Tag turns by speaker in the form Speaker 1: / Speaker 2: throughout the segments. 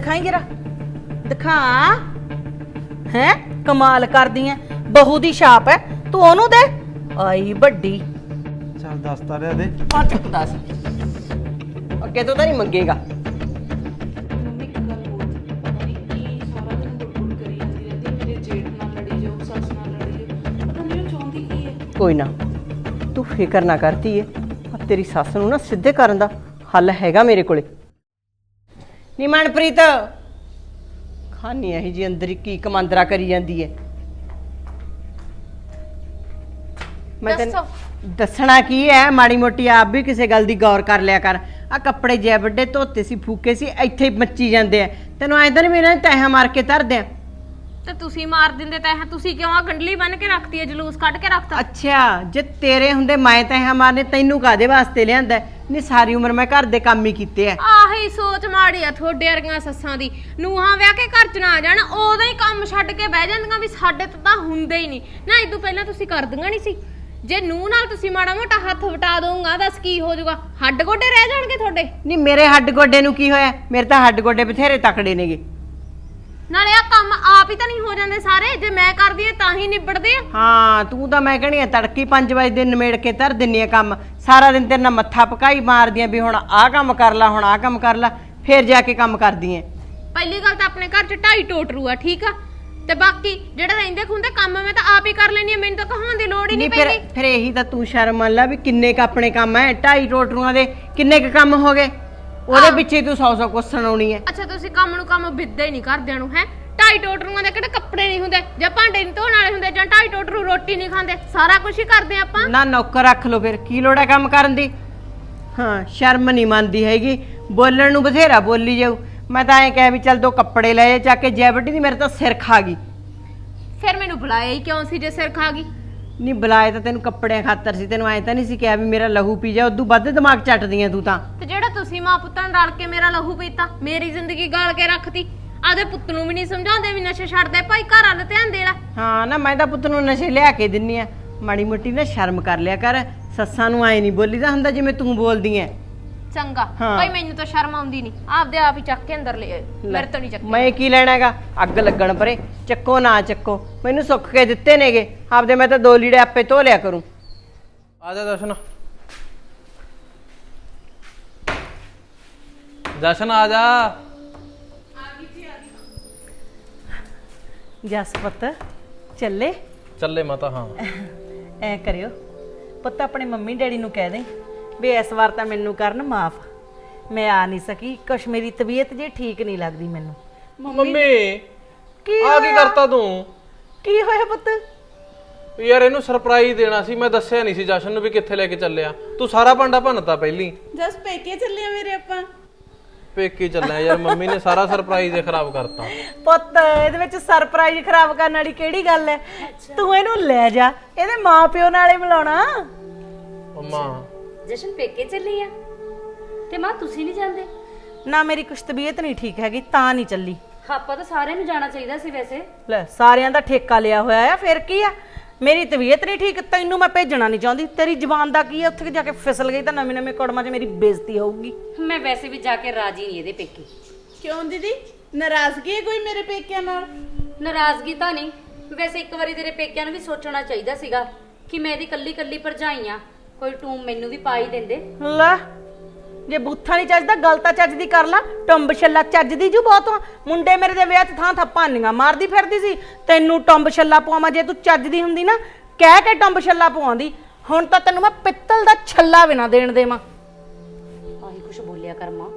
Speaker 1: दिखाई जरा दिखा है कमाल कर दी है बहू दी छाप है तू ओनू दे आई बड्डी
Speaker 2: ਚੱਲ ਦੱਸਦਾ ਰਿਹਾ ਦੇ
Speaker 1: आ चुप दस अगे तो नहीं मंगेगा
Speaker 3: ਮੰਮੀ ਇੱਕ ਗੱਲ ਹੋਰ ਪਤਾ ਨਹੀਂ ਕੀ ਸਾਰਾ ਦਿਨ ਗੁੜਗੁੜ ਕਰੀ ਜਾਂਦੀ ਰਹਿੰਦੀ ਮੇਰੇ ਜੇਠ ਨਾਲ ਲੜੀ ਜਾਓ ਸੱਸ ਨਾਲ ਲੜੀ ਜਾਓ ਪਤਾ ਨਹੀਂ ਉਹ ਚਾਹੁੰਦੀ ਕੀ ਹੈ
Speaker 1: कोई ना तू फिकर ना करती है तेरी सस नूं ना सीधे करन दा हल हैगा मेरे कोले नी मनप्रीत खानी है जी अंदर की कमांदरा करी जांदी है मैं तेन दसना की है माड़ी मोटी आप भी किसी गल दी गौर कर लिया कर आ कपड़े जै बड़े धोते सी फूके सी इत्थे ही मच्ची जांदे आ तैनूं ऐ तां नहीं मेरे तैहा मार के धर दियां
Speaker 4: ਤੇ ਤੁਸੀਂ ਮਾਰ ਦਿੰਦੇ ਤਾਂ ਇਹ ਤੁਸੀਂ ਕਿਉਂ ਆ ਗੰਡਲੀ ਬੰਨ ਕੇ ਰੱਖਤੀ ਹੈ ਜਲੂਸ ਕੱਢ ਕੇ ਰੱਖਤਾ
Speaker 1: ਅੱਛਾ ਜੇ ਤੇਰੇ ਹੁੰਦੇ ਮੈਂ ਤੈਹਾ ਮਾਰਨੇ ਤੈਨੂੰ ਕਾਦੇ ਵਾਸਤੇ ਲਿਆਂਦਾ ਨਹੀਂ ਸਾਰੀ ਉਮਰ ਮੈਂ ਘਰ ਦੇ ਕੰਮ ਹੀ ਕੀਤੇ ਆ
Speaker 4: ਆਹੀ ਸੋਚ ਮਾੜੀ ਆ ਤੁਹਾਡੇ ਵਰਗੀਆਂ ਸੱਸਾਂ ਦੀ ਨੂਹਾਂ ਵਿਆਹ ਕੇ ਘਰ ਚ ਨਾ ਜਾਣ ਉਦੋਂ ਹੀ ਕੰਮ ਛੱਡ ਕੇ ਬਹਿ ਜਾਂਦੀਆਂ ਵੀ ਸਾਡੇ ਤੋਂ ਤਾਂ ਹੁੰਦੇ ਹੀ ਨਹੀਂ ਨਾ ਇਦੋਂ ਪਹਿਲਾਂ ਤੁਸੀਂ ਕਰਦੀਆਂ ਨਹੀਂ ਸੀ ਜੇ ਨੂੰਹ ਨਾਲ ਤੁਸੀਂ ਮਾੜਾ ਮੋਟਾ ਹੱਥ ਵਟਾ ਦੋਗਾ ਦੱਸ ਕੀ ਹੋ ਜਾਊਗਾ ਹੱਡ ਗੋਡੇ ਰਹਿ ਜਾਣਗੇ ਤੁਹਾਡੇ
Speaker 1: ਨਹੀਂ ਮੇਰੇ ਹੱਡ ਗੋਡੇ ਨੂੰ ਕੀ ਹੋਇਆ ਮੇਰੇ ਤਾਂ ਹੱਡ ਗੋਡੇ ਬਥੇਰੇ ਤਕੜੇ ਨੇਗੇ
Speaker 4: ਨਾਲੇ ਆ ਕੰਮ ਆਪ ਹੀ ਤਾਂ ਨਹੀਂ ਹੋ ਜਾਂਦੇ ਸਾਰੇ ਜੇ ਮੈਂ ਕਰਦੀ ਆ ਤਾਂ ਹੀ ਨਿਬੜਦੇ ਆ
Speaker 1: ਹਾਂ ਤੂੰ ਤਾਂ ਮੈਂ ਕਹਣੀ ਆ ਤੜਕੀ 5 ਵਜੇ ਦੇ ਨਿਮੇੜ ਕੇ ਧਰ ਦਿੰਨੀ ਆ ਕੰਮ ਸਾਰਾ ਦਿਨ ਤੇਰੇ ਨਾਲ ਮੱਥਾ ਪਕਾਈ ਮਾਰਦੀਆਂ ਵੀ ਹੁਣ ਆਹ ਕੰਮ ਕਰ ਲੈ ਹੁਣ ਆਹ ਕੰਮ ਕਰ ਲੈ ਫੇਰ ਜਾ ਕੇ ਕੰਮ ਕਰਦੀ ਐ
Speaker 4: ਪਹਿਲੀ ਗੱਲ ਤਾਂ ਆਪਣੇ ਘਰ ਚ 2.5 ਟੋਟਰੂ ਆ ਠੀਕ ਆ ਤੇ ਬਾਕੀ ਜਿਹੜੇ ਰਹਿੰਦੇ ਖੁੰਦੇ ਕੰਮ ਮੈਂ ਤਾਂ ਆਪ ਹੀ ਕਰ ਲੈਣੀ ਆ ਮੈਨੂੰ ਤਾਂ ਕਹਾਉਣ ਦੀ ਲੋੜ ਹੀ ਨਹੀਂ ਪੈਂਦੀ
Speaker 1: ਫਿਰ ਇਹੀ ਤਾਂ ਤੂੰ ਸ਼ਰਮ ਮੰਨ ਲੈ ਵੀ ਕਿੰਨੇ ਕ ਆਪਣੇ ਕੰਮ ਐ 2.5 ਟੋਟਰੂਆਂ ਦੇ ਕਿੰਨੇ ਕ ਕੰਮ ਹੋ ਗਏ ਉਹਦੇ ਪਿੱਛੇ ਤੂੰ 100 ਕੁਛ ਸੁਣਾਉਣੀ ਐ
Speaker 4: ਅੱਛਾ ਤੁਸੀਂ ਕੰਮ ਨੂੰ ਕੰਮ ਵਿਦਦੇ ਹੀ ਨਹੀਂ ਕਰਦਿਆਂ ਨੂੰ ਹੈ 2.5 ਟੋਟਰੂਆਂ ਦੇ ਕਿਹੜੇ ਕੱਪੜੇ ਨਹੀਂ ਹੁੰਦੇ ਜਾਂ ਭਾਂਡੇ ਨਹੀਂ ਧੋਣ ਵਾਲੇ ਹੁੰਦੇ ਜਾਂ 2.5 ਟੋਟਰੂ ਰੋਟੀ ਨਹੀਂ ਖਾਂਦੇ ਸਾਰਾ ਕੁਝ ਹੀ ਕਰਦੇ ਆਪਾਂ
Speaker 1: ਨਾ ਨੌਕਰ ਰੱਖ ਲੋ ਫਿਰ ਕੀ ਲੋੜ ਹੈ ਕੰਮ ਕਰਨ ਦੀ ਹਾਂ ਸ਼ਰਮ ਨਹੀਂ ਮੰਨਦੀ ਹੈਗੀ ਬੋਲਣ ਨੂੰ ਬਥੇਰਾ ਬੋਲੀ ਜਾਊ ਮੈਂ ਤਾਂ ਐਂ ਕਹਿ ਵੀ ਚੱਲ 2 ਕੱਪੜੇ ਲੈ ਜਾ ਕੇ ਜੈਬਟੀ ਦੀ ਮੇਰੇ ਤਾਂ ਸਿਰ ਖਾ ਗਈ
Speaker 4: ਫਿਰ ਮੈਨੂੰ ਬੁਲਾਇਆ ਹੀ ਕਿਉਂ ਸੀ ਜੇ ਸਿਰ ਖਾ ਗਈ
Speaker 1: ਨਹੀਂ ਬੁਲਾਏ ਤਾਂ ਤੈਨੂੰ ਕੱਪੜਿਆਂ ਖਾਤਰ ਸੀ ਤੈਨੂੰ ਐਂ ਤਾਂ ਨਹੀਂ ਸੀ ਕਿਹਾ ਵੀ ਮੇਰਾ ਲਹੂ ਪੀ ਜਾ ਉਦੋਂ ਵੱਧ ਦਿਮਾਗ ਚੱਟਦੀਆਂ ਤੂੰ ਤਾਂ
Speaker 4: ਤੇ ਜਿਹੜਾ ਤੁਸੀਂ ਮਾਂ ਪੁੱਤਾਂ ਨਾਲ ਰਲ ਕੇ ਮੇਰਾ ਲਹੂ ਪੀਤਾ ਮੇਰੀ ਜ਼ਿੰਦਗੀ ਗਾਲ ਕੇ ਰੱਖਤੀ ਆਦੇ ਪੁੱਤ ਨੂੰ ਵੀ ਨਹੀਂ ਸਮਝਾਉਂਦੇ ਵੀ ਨਸ਼ੇ ਛੱਡ ਦੇ ਭਾਈ ਘਰ ਵੱਲ ਧਿਆਨ ਦੇ ਲੈ
Speaker 1: ਹਾਂ ਨਾ ਮੈਂ ਤਾਂ ਪੁੱਤ ਨੂੰ ਨਸ਼ੇ ਲਿਆ ਕੇ ਦਿੰਨੀ ਆ ਮਾੜੀ ਮੋਟੀ ਨਾ ਸ਼ਰਮ ਕਰ ਲਿਆ ਕਰ ਸੱਸਾਂ ਨੂੰ ਐ ਨਹੀਂ ਬੋਲੀਦਾ ਹੁੰਦਾ ਜਿਵੇਂ ਤੂੰ ਬੋਲਦੀ ਐ
Speaker 4: ਚੰਗਾ ਭਾਈ ਮੈਨੂੰ ਤਾਂ ਸ਼ਰਮ ਆਉਂਦੀ ਨਹੀਂ ਆਪਦੇ ਆਪ ਹੀ ਚੱਕ ਕੇ ਅੰਦਰ ਲੈ ਆਏ ਮੇਰੇ ਤੋਂ ਨਹੀਂ ਚੱਕ
Speaker 1: ਮੈਂ ਕੀ ਲੈਣਾ ਹੈਗਾ ਅੱਗ ਲੱਗਣ ਪਰੇ ਚੱਕੋ ਨਾ ਚੱਕੋ ਮੈਨੂੰ ਸੁੱਕ ਕੇ ਦਿੱਤੇ ਨੇਗੇ ਆਪਦੇ ਮੈਂ ਤਾਂ 2 ਲੀੜੇ ਆਪੇ ਧੋ ਲਿਆ ਕਰੂੰ
Speaker 2: ਆ ਜਾ ਜਸ਼ਨ ਜਸ਼ਨ ਆ ਜਾ
Speaker 1: ਜਸ ਪੁੱਤ ਚੱਲੇ
Speaker 2: ਚੱਲੇ ਮਾਤਾ ਹਾਂ
Speaker 1: ਐ ਕਰਿਓ ਪੁੱਤ ਆਪਣੇ ਮੰਮੀ ਡੈਡੀ ਨੂੰ ਕਹਿ ਦੇ ਵੀ ਇਸ ਵਾਰ ਤਾਂ ਮੈਨੂੰ ਕਰਨ ਮਾਫ ਮੈਂ ਆ ਨਹੀਂ ਸਕੀ ਕੁਛ ਮੇਰੀ ਤਬੀਅਤ ਜੇ ਠੀਕ ਨਹੀਂ ਲੱਗਦੀ ਮੈਨੂੰ
Speaker 2: ਮੰਮੀ
Speaker 1: ਕੀ
Speaker 2: ਆ ਕੀ ਕਰਤਾ ਤੂੰ
Speaker 1: ਕੀ ਹੋਇਆ ਪੁੱਤ
Speaker 2: ਯਾਰ ਇਹਨੂੰ ਸਰਪ੍ਰਾਈਜ਼ ਦੇਣਾ ਸੀ ਮੈਂ ਦੱਸਿਆ ਨਹੀਂ ਸੀ ਜਸ਼ਨ ਨੂੰ ਵੀ ਕਿੱਥੇ ਲੈ ਕੇ ਚੱਲਿਆ ਤੂੰ ਸਾਰਾ ਭਾਂਡਾ ਭੰਨਤਾ ਪਹਿਲੀ
Speaker 3: ਜਸ ਪੇਕੇ ਚੱਲੇ ਆ ਮੇਰੇ ਆਪਾਂ
Speaker 2: ਪੇਕੇ ਚੱਲਿਆ ਯਾਰ ਮੰਮੀ ਨੇ ਸਾਰਾ ਸਰਪ੍ਰਾਈਜ਼ ਹੀ ਖਰਾਬ ਕਰਤਾ
Speaker 1: ਪੁੱਤ ਇਹਦੇ ਵਿੱਚ ਸਰਪ੍ਰਾਈਜ਼ ਖਰਾਬ ਕਰਨ ਵਾਲੀ ਕਿਹੜੀ ਗੱਲ ਹੈ ਤੂੰ ਇਹਨੂੰ ਲੈ ਜਾ ਇਹਦੇ ਮਾਪਿਓ ਨਾਲ ਹੀ ਮਿਲਾਉਣਾ
Speaker 2: ਮੰਮਾ
Speaker 5: ਜਸ਼ਨ ਪੇਕੇ ਚੱਲੀ ਆ ਤੇ ਮਾਂ ਤੁਸੀਂ ਨਹੀਂ ਜਾਂਦੇ
Speaker 1: ਨਾ ਮੇਰੀ ਕੁਛ ਤਬੀਅਤ ਨਹੀਂ ਠੀਕ ਹੈਗੀ ਤਾਂ ਨਹੀਂ ਚੱਲੀ
Speaker 5: ਆਪਾਂ ਤਾਂ ਸਾਰਿਆਂ ਨੂੰ ਜਾਣਾ ਚਾਹੀਦਾ ਸੀ ਵੈਸੇ
Speaker 1: ਲੈ ਸਾਰਿਆਂ ਦਾ ਠੇਕਾ ਲਿਆ ਹੋਇਆ ਆ ਫਿਰ ਕੀ ਆ ਮੇਰੀ ਤਬੀਅਤ ਨਹੀਂ ਠੀਕ ਤੈਨੂੰ ਮੈਂ ਭੇਜਣਾ ਨਹੀਂ ਚਾਹੁੰਦੀ ਤੇਰੀ ਜ਼ੁਬਾਨ ਦਾ ਕੀ ਆ ਉੱਥੇ ਜਾ ਕੇ ਫਿਸਲ ਗਈ ਤਾਂ ਨਵੇਂ ਨਵੇਂ ਕੜਮਾਂ 'ਚ ਮੇਰੀ ਬੇਇੱਜ਼ਤੀ ਹੋਊਗੀ
Speaker 5: ਮੈਂ ਵੈਸੇ ਵੀ ਜਾ ਕੇ ਰਾਜੀ ਨਹੀਂ ਇਹਦੇ ਪੇਕੇ
Speaker 3: ਕਿਉਂ ਦੀਦੀ ਨਾਰਾਜ਼ਗੀ ਹੈ ਕੋਈ ਮੇਰੇ ਪੇਕਿਆਂ ਨਾਲ
Speaker 5: ਨਾਰਾਜ਼ਗੀ ਤਾਂ ਨਹੀਂ ਵੈਸੇ ਇੱਕ ਵਾਰੀ ਤੇਰੇ ਪੇਕਿਆਂ ਨੂੰ ਵੀ ਸੋਚਣਾ ਚਾਹੀਦਾ ਸੀਗਾ ਕਿ ਮੈਂ ਇਹਦੀ ਕੱਲੀ ਕੱਲੀ ਭਰਜਾਈ ਆ ਕੋਈ ਟੂਮ ਮੈਨੂੰ ਵੀ ਪਾ ਹੀ ਦਿੰਦੇ
Speaker 1: ਲੈ ਜੇ ਬੂਥਾ ਨਹੀਂ ਚੱਜਦਾ ਗੱਲ ਤਾਂ ਚੱਜ ਦੀ ਕਰ ਲਾ ਟੰਬ ਛੱਲਾ ਚੱਜ ਦੀ ਜੂ ਬਹੁਤ ਮੁੰਡੇ ਮੇਰੇ ਦੇ ਵਿਆਹ 'ਚ ਥਾਂ ਥਾਪਾਨੀਆਂ ਮਾਰਦੀ ਫਿਰਦੀ ਸੀ ਤੈਨੂੰ ਟੰਬ ਛੱਲਾ ਪਵਾਵਾਂ ਜੇ ਤੂੰ ਚੱਜ ਦੀ ਹੁੰਦੀ ਨਾ ਕਹਿ ਕੇ ਟੰਬ ਛੱਲਾ ਪਵਾਉਂਦੀ ਹੁਣ ਤਾਂ ਤੈਨੂੰ ਮੈਂ ਪਿੱਤਲ ਦਾ ਛੱਲਾ ਵੀ ਨਾ ਦੇਣ ਦੇਵਾਂ
Speaker 5: ਆਹੀ ਕੁਛ ਬੋਲਿਆ ਕਰ ਮਾਂ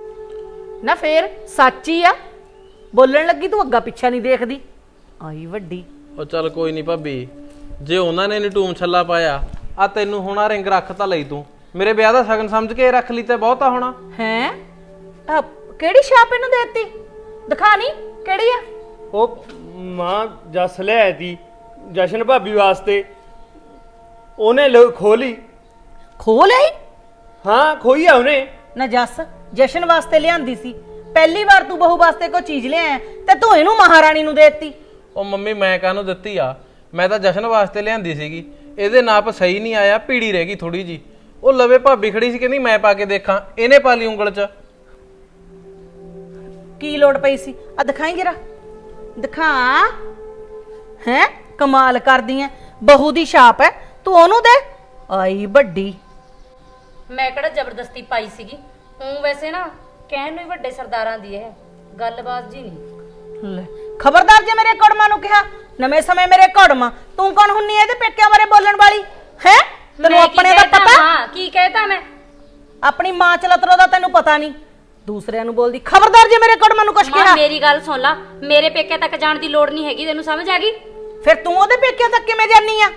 Speaker 1: ਨਾ ਫੇਰ ਸੱਚ ਹੀ ਆ ਬੋਲਣ ਲੱਗੀ ਤੂੰ ਅੱਗਾ ਪਿੱਛਾ ਨਹੀਂ ਦੇਖਦੀ ਆਈ ਵੱਡੀ
Speaker 2: ਉਹ ਚੱਲ ਕੋਈ ਨਹੀਂ ਭਾਬੀ ਜੇ ਉਹਨਾਂ ਨੇ ਨੀ ਟੂਮ ਛੱਲਾ ਪਾਇਆ ਆ ਤੈਨੂੰ ਹੁਣ ਆ ਰਿੰਗ ਰੱਖ ਤਾਂ ਲਈ ਤੂੰ ਮੇਰੇ ਵਿਆਹ ਦਾ ਸ਼ਗਨ ਸਮਝ ਕੇ ਰੱਖ ਲਈ ਤੇ ਬਹੁਤਾ ਹੋਣਾ
Speaker 1: ਹੈ ਕਿਹੜੀ ਛਾਪ ਇਹਨੂੰ ਦੇਤੀ ਦਿਖਾ ਨਹੀਂ ਕਿਹੜੀ ਆ
Speaker 6: ਉਹ ਮਾਂ ਜੱਸ ਲਿਆਈ ਤੀ ਜਸ਼ਨ ਭਾਬੀ ਵਾਸਤੇ ਉਹਨੇ ਖੋਲੀ
Speaker 1: ਖੋਲ ਆਈ
Speaker 6: ਹਾਂ ਖੋਈ ਆ ਉਹਨੇ
Speaker 1: ਨਾ ਜੱਸ ਜਸ਼ਨ ਵਾਸਤੇ ਲਿਆਂਦੀ ਸੀ ਪਹਿਲੀ ਵਾਰ ਤੂੰ ਬਹੂ ਵਾਸਤੇ ਕੋਈ ਚੀਜ਼ ਲਿਆਇਆ ਤੇ ਤੂੰ ਇਹਨੂੰ ਮਹਾਰਾਣੀ ਨੂੰ ਦੇਤੀ
Speaker 2: ਉਹ ਮੰਮੀ ਮੈਂ ਕਾਹਨੂੰ ਦਿੱਤੀ ਆ ਮੈਂ ਤਾਂ ਜਸ਼ਨ ਵਾਸਤੇ ਲਿਆਂਦੀ ਸੀਗੀ ਇਹਦੇ ਨਾਪ ਸਹੀ ਨਹੀਂ ਆਇਆ ਪੀੜੀ ਰਹਿ ਗਈ ਥੋੜੀ ਜੀ ਉਹ ਲਵੇ ਭਾਬੀ ਖੜੀ ਸੀ ਕਹਿੰਦੀ ਮੈਂ ਪਾ ਕੇ ਦੇਖਾਂ ਇਹਨੇ ਪਾ ਲਈ ਉਂਗਲ 'ਚ
Speaker 1: ਕੀ ਲੋੜ ਪਈ ਸੀ? ਆ ਦਿਖਾਈ ਜਰਾ, ਦਿਖਾ। ਹੈ ਕਮਾਲ ਕਰਦੀ ਐ, ਬਹੂ ਦੀ ਛਾਪ ਐ, ਤੂੰ ਉਹਨੂੰ ਦੇ ਆਈ ਵੱਡੀ।
Speaker 5: ਮੈਂ ਕਿਹੜਾ ਜ਼ਬਰਦਸਤੀ ਪਾਈ ਸੀਗੀ, ਹੂੰ ਵੈਸੇ ਨਾ ਕਹਿਣ ਨੂੰ ਹੀ ਵੱਡੇ ਸਰਦਾਰਾਂ ਦੀ ਇਹ ਗੱਲਬਾਤ ਜੀ ਨਹੀਂ।
Speaker 1: ਲੈ ਖਬਰਦਾਰ ਜੇ ਮੇਰੇ ਕੜਮਾਂ ਨੂੰ ਕਿਹਾ, ਨਵੇਂ ਸਮੇਂ ਮੇਰੇ ਕੜਮਾਂ। ਤੂੰ ਕੌਣ ਹੁੰਨੀ ਐ ਇਹਦੇ ਪੇਕਿਆਂ ਬਾਰੇ ਬੋਲਣ ਵਾਲੀ? ਹੈ ਤੈਨੂੰ
Speaker 5: ਮੈਂ ਕੀ
Speaker 1: ਆਪਣੇ ਦਾ
Speaker 5: ਕਹਿਤਾ?
Speaker 1: ਪਤਾ?
Speaker 5: ਹਾਂ ਕੀ ਕਹਿਤਾ ਮੈਂ?
Speaker 1: ਆਪਣੀ ਮਾਂ ਚਲਤਰੋ ਦਾ ਤੈਨੂੰ ਪਤਾ ਨਹੀਂ, ਦੂਸਰਿਆਂ ਨੂੰ ਬੋਲਦੀ। ਖਬਰਦਾਰ ਜੇ ਮੇਰੇ ਕੜਮਾਂ ਨੂੰ ਕੁਛ
Speaker 5: ਮਾਂ
Speaker 1: ਕਿਹਾ।
Speaker 5: ਮੇਰੀ ਗੱਲ ਸੁਣ ਲਾ, ਮੇਰੇ ਪੇਕੇ ਤੱਕ ਜਾਣ ਦੀ ਲੋੜ ਨਹੀਂ ਹੈਗੀ, ਤੈਨੂੰ ਸਮਝ ਆ ਗਈ?
Speaker 1: ਫਿਰ ਤੂੰ ਉਹਦੇ ਪੇਕਿਆਂ ਤੱਕ ਕਿਵੇਂ ਜਾਨੀ ਆ?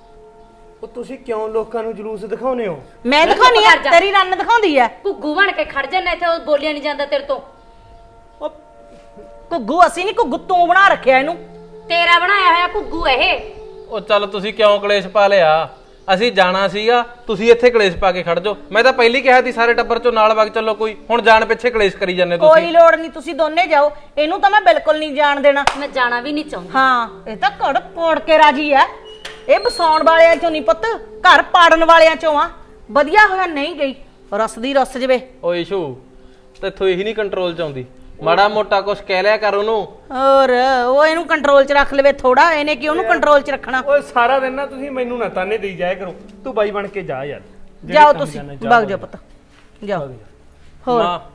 Speaker 6: ਉਹ ਤੁਸੀਂ ਕਿਉਂ ਲੋਕਾਂ ਨੂੰ ਜਲੂਸ ਦਿਖਾਉਨੇ ਹੋ?
Speaker 1: ਮੈਂ ਦਿਖਾਉਣੀ ਆ,
Speaker 5: ਕਰ ਜਾ।
Speaker 1: ਤੇਰੀ ਰੰਨ ਦਿਖਾਉਂਦੀ ਐ।
Speaker 5: ਘੁੱਗੂ ਬਣ ਕੇ ਖੜ ਜਾਣਾ ਇੱਥੇ, ਉਹ ਬੋਲਿਆ ਨਹੀਂ ਜਾਂਦਾ ਤੇਰੇ ਤੋਂ।
Speaker 6: ਉਹ
Speaker 1: ਘੁੱਗੂ ਅਸੀਂ ਨਹੀਂ, ਘੁੱਗੂ ਤੂੰ ਬਣਾ ਰੱਖਿਆ ਇਹਨੂੰ।
Speaker 5: ਤੇਰਾ ਬਣਾਇਆ ਹੋਇਆ ਘੁੱਗੂ ਇਹ।
Speaker 2: ਉਹ ਚੱਲ ਤੁਸੀਂ ਕਿਉਂ ਕਲੇਸ਼ ਪਾ ਲਿਆ? ਅਸੀਂ ਜਾਣਾ ਸੀਗਾ, ਤੁਸੀਂ ਇੱਥੇ ਕਲੇਸ਼ ਪਾ ਕੇ ਖੜ ਜਾਓ। ਮੈਂ ਤਾਂ ਪਹਿਲੀ ਕਿਹਾ ਸੀ ਸਾਰੇ ਟੱਬਰ ਚੋਂ ਨਾਲ ਵਗ ਚੱਲੋ ਕੋਈ, ਹੁਣ ਜਾਣ ਪਿੱਛੇ ਕਲੇਸ਼ ਕਰੀ ਜਾਂਦੇ
Speaker 1: ਕੋਈ
Speaker 2: ਤੁਸੀਂ।
Speaker 1: ਲੋੜ ਨਹੀਂ, ਤੁਸੀਂ ਦੋਨੇ ਜਾਓ। ਇਹਨੂੰ ਤਾਂ ਮੈਂ ਬਿਲਕੁਲ ਨਹੀਂ ਜਾਣ ਦੇਣਾ।
Speaker 5: ਮੈਂ ਜਾਣਾ ਵੀ ਨਹੀਂ ਚਾਹੁੰਦੀ।
Speaker 1: ਹਾਂ ਇਹ ਤਾਂ ਘੜ ਪੋੜ ਕੇ ਰਾਜੀ ਐ। ਇਹ ਬਸਾਉਣ ਵਾਲਿਆਂ ਚੋਂ ਨਹੀਂ ਪੁੱਤ, ਘਰ ਪਾੜਨ ਵਾਲਿਆਂ ਚੋਂ ਆ। ਵਧੀਆ ਹੋਇਆ ਨਹੀਂ ਗਈ, ਰਸ ਦੀ ਰਸ ਜਵੇ।
Speaker 2: ਓ ਇਸ਼ੂ ਤੇਥੋਂ ਇਹੀ ਨਹੀਂ ਕੰਟਰੋਲ ਚ ਆਉਂਦੀ, ਮਾੜਾ ਮੋਟਾ ਕੁਛ ਕਹਿ ਲਿਆ ਕਰ ਉਹਨੂੰ।
Speaker 1: ਹੋਰ ਉਹ ਇਹਨੂੰ ਕੰਟਰੋਲ 'ਚ ਰੱਖ ਲਵੇ ਥੋੜਾ, ਇਹਨੇ ਕਿ ਉਹਨੂੰ ਕੰਟਰੋਲ 'ਚ ਰੱਖਣਾ।
Speaker 6: ਓਏ ਸਾਰਾ ਦਿਨ ਨਾ ਤੁਸੀਂ ਮੈਨੂੰ ਨਾ ਤਾਨੇ ਦੇਈ ਜਾਇਆ ਕਰੋ, ਤੂੰ ਬਾਈ ਬਣ ਕੇ ਜਾ ਯਾਰ। ਜਿਹੜੇ
Speaker 1: ਜਾਓ
Speaker 6: ਕੰਮ
Speaker 1: ਤੁਸੀਂ,
Speaker 6: ਜਾਣਾ
Speaker 1: ਵਗ ਜਾਓ ਪੁੱਤ, ਜਾਓ। ਹੋਰ
Speaker 2: ਮਾਂ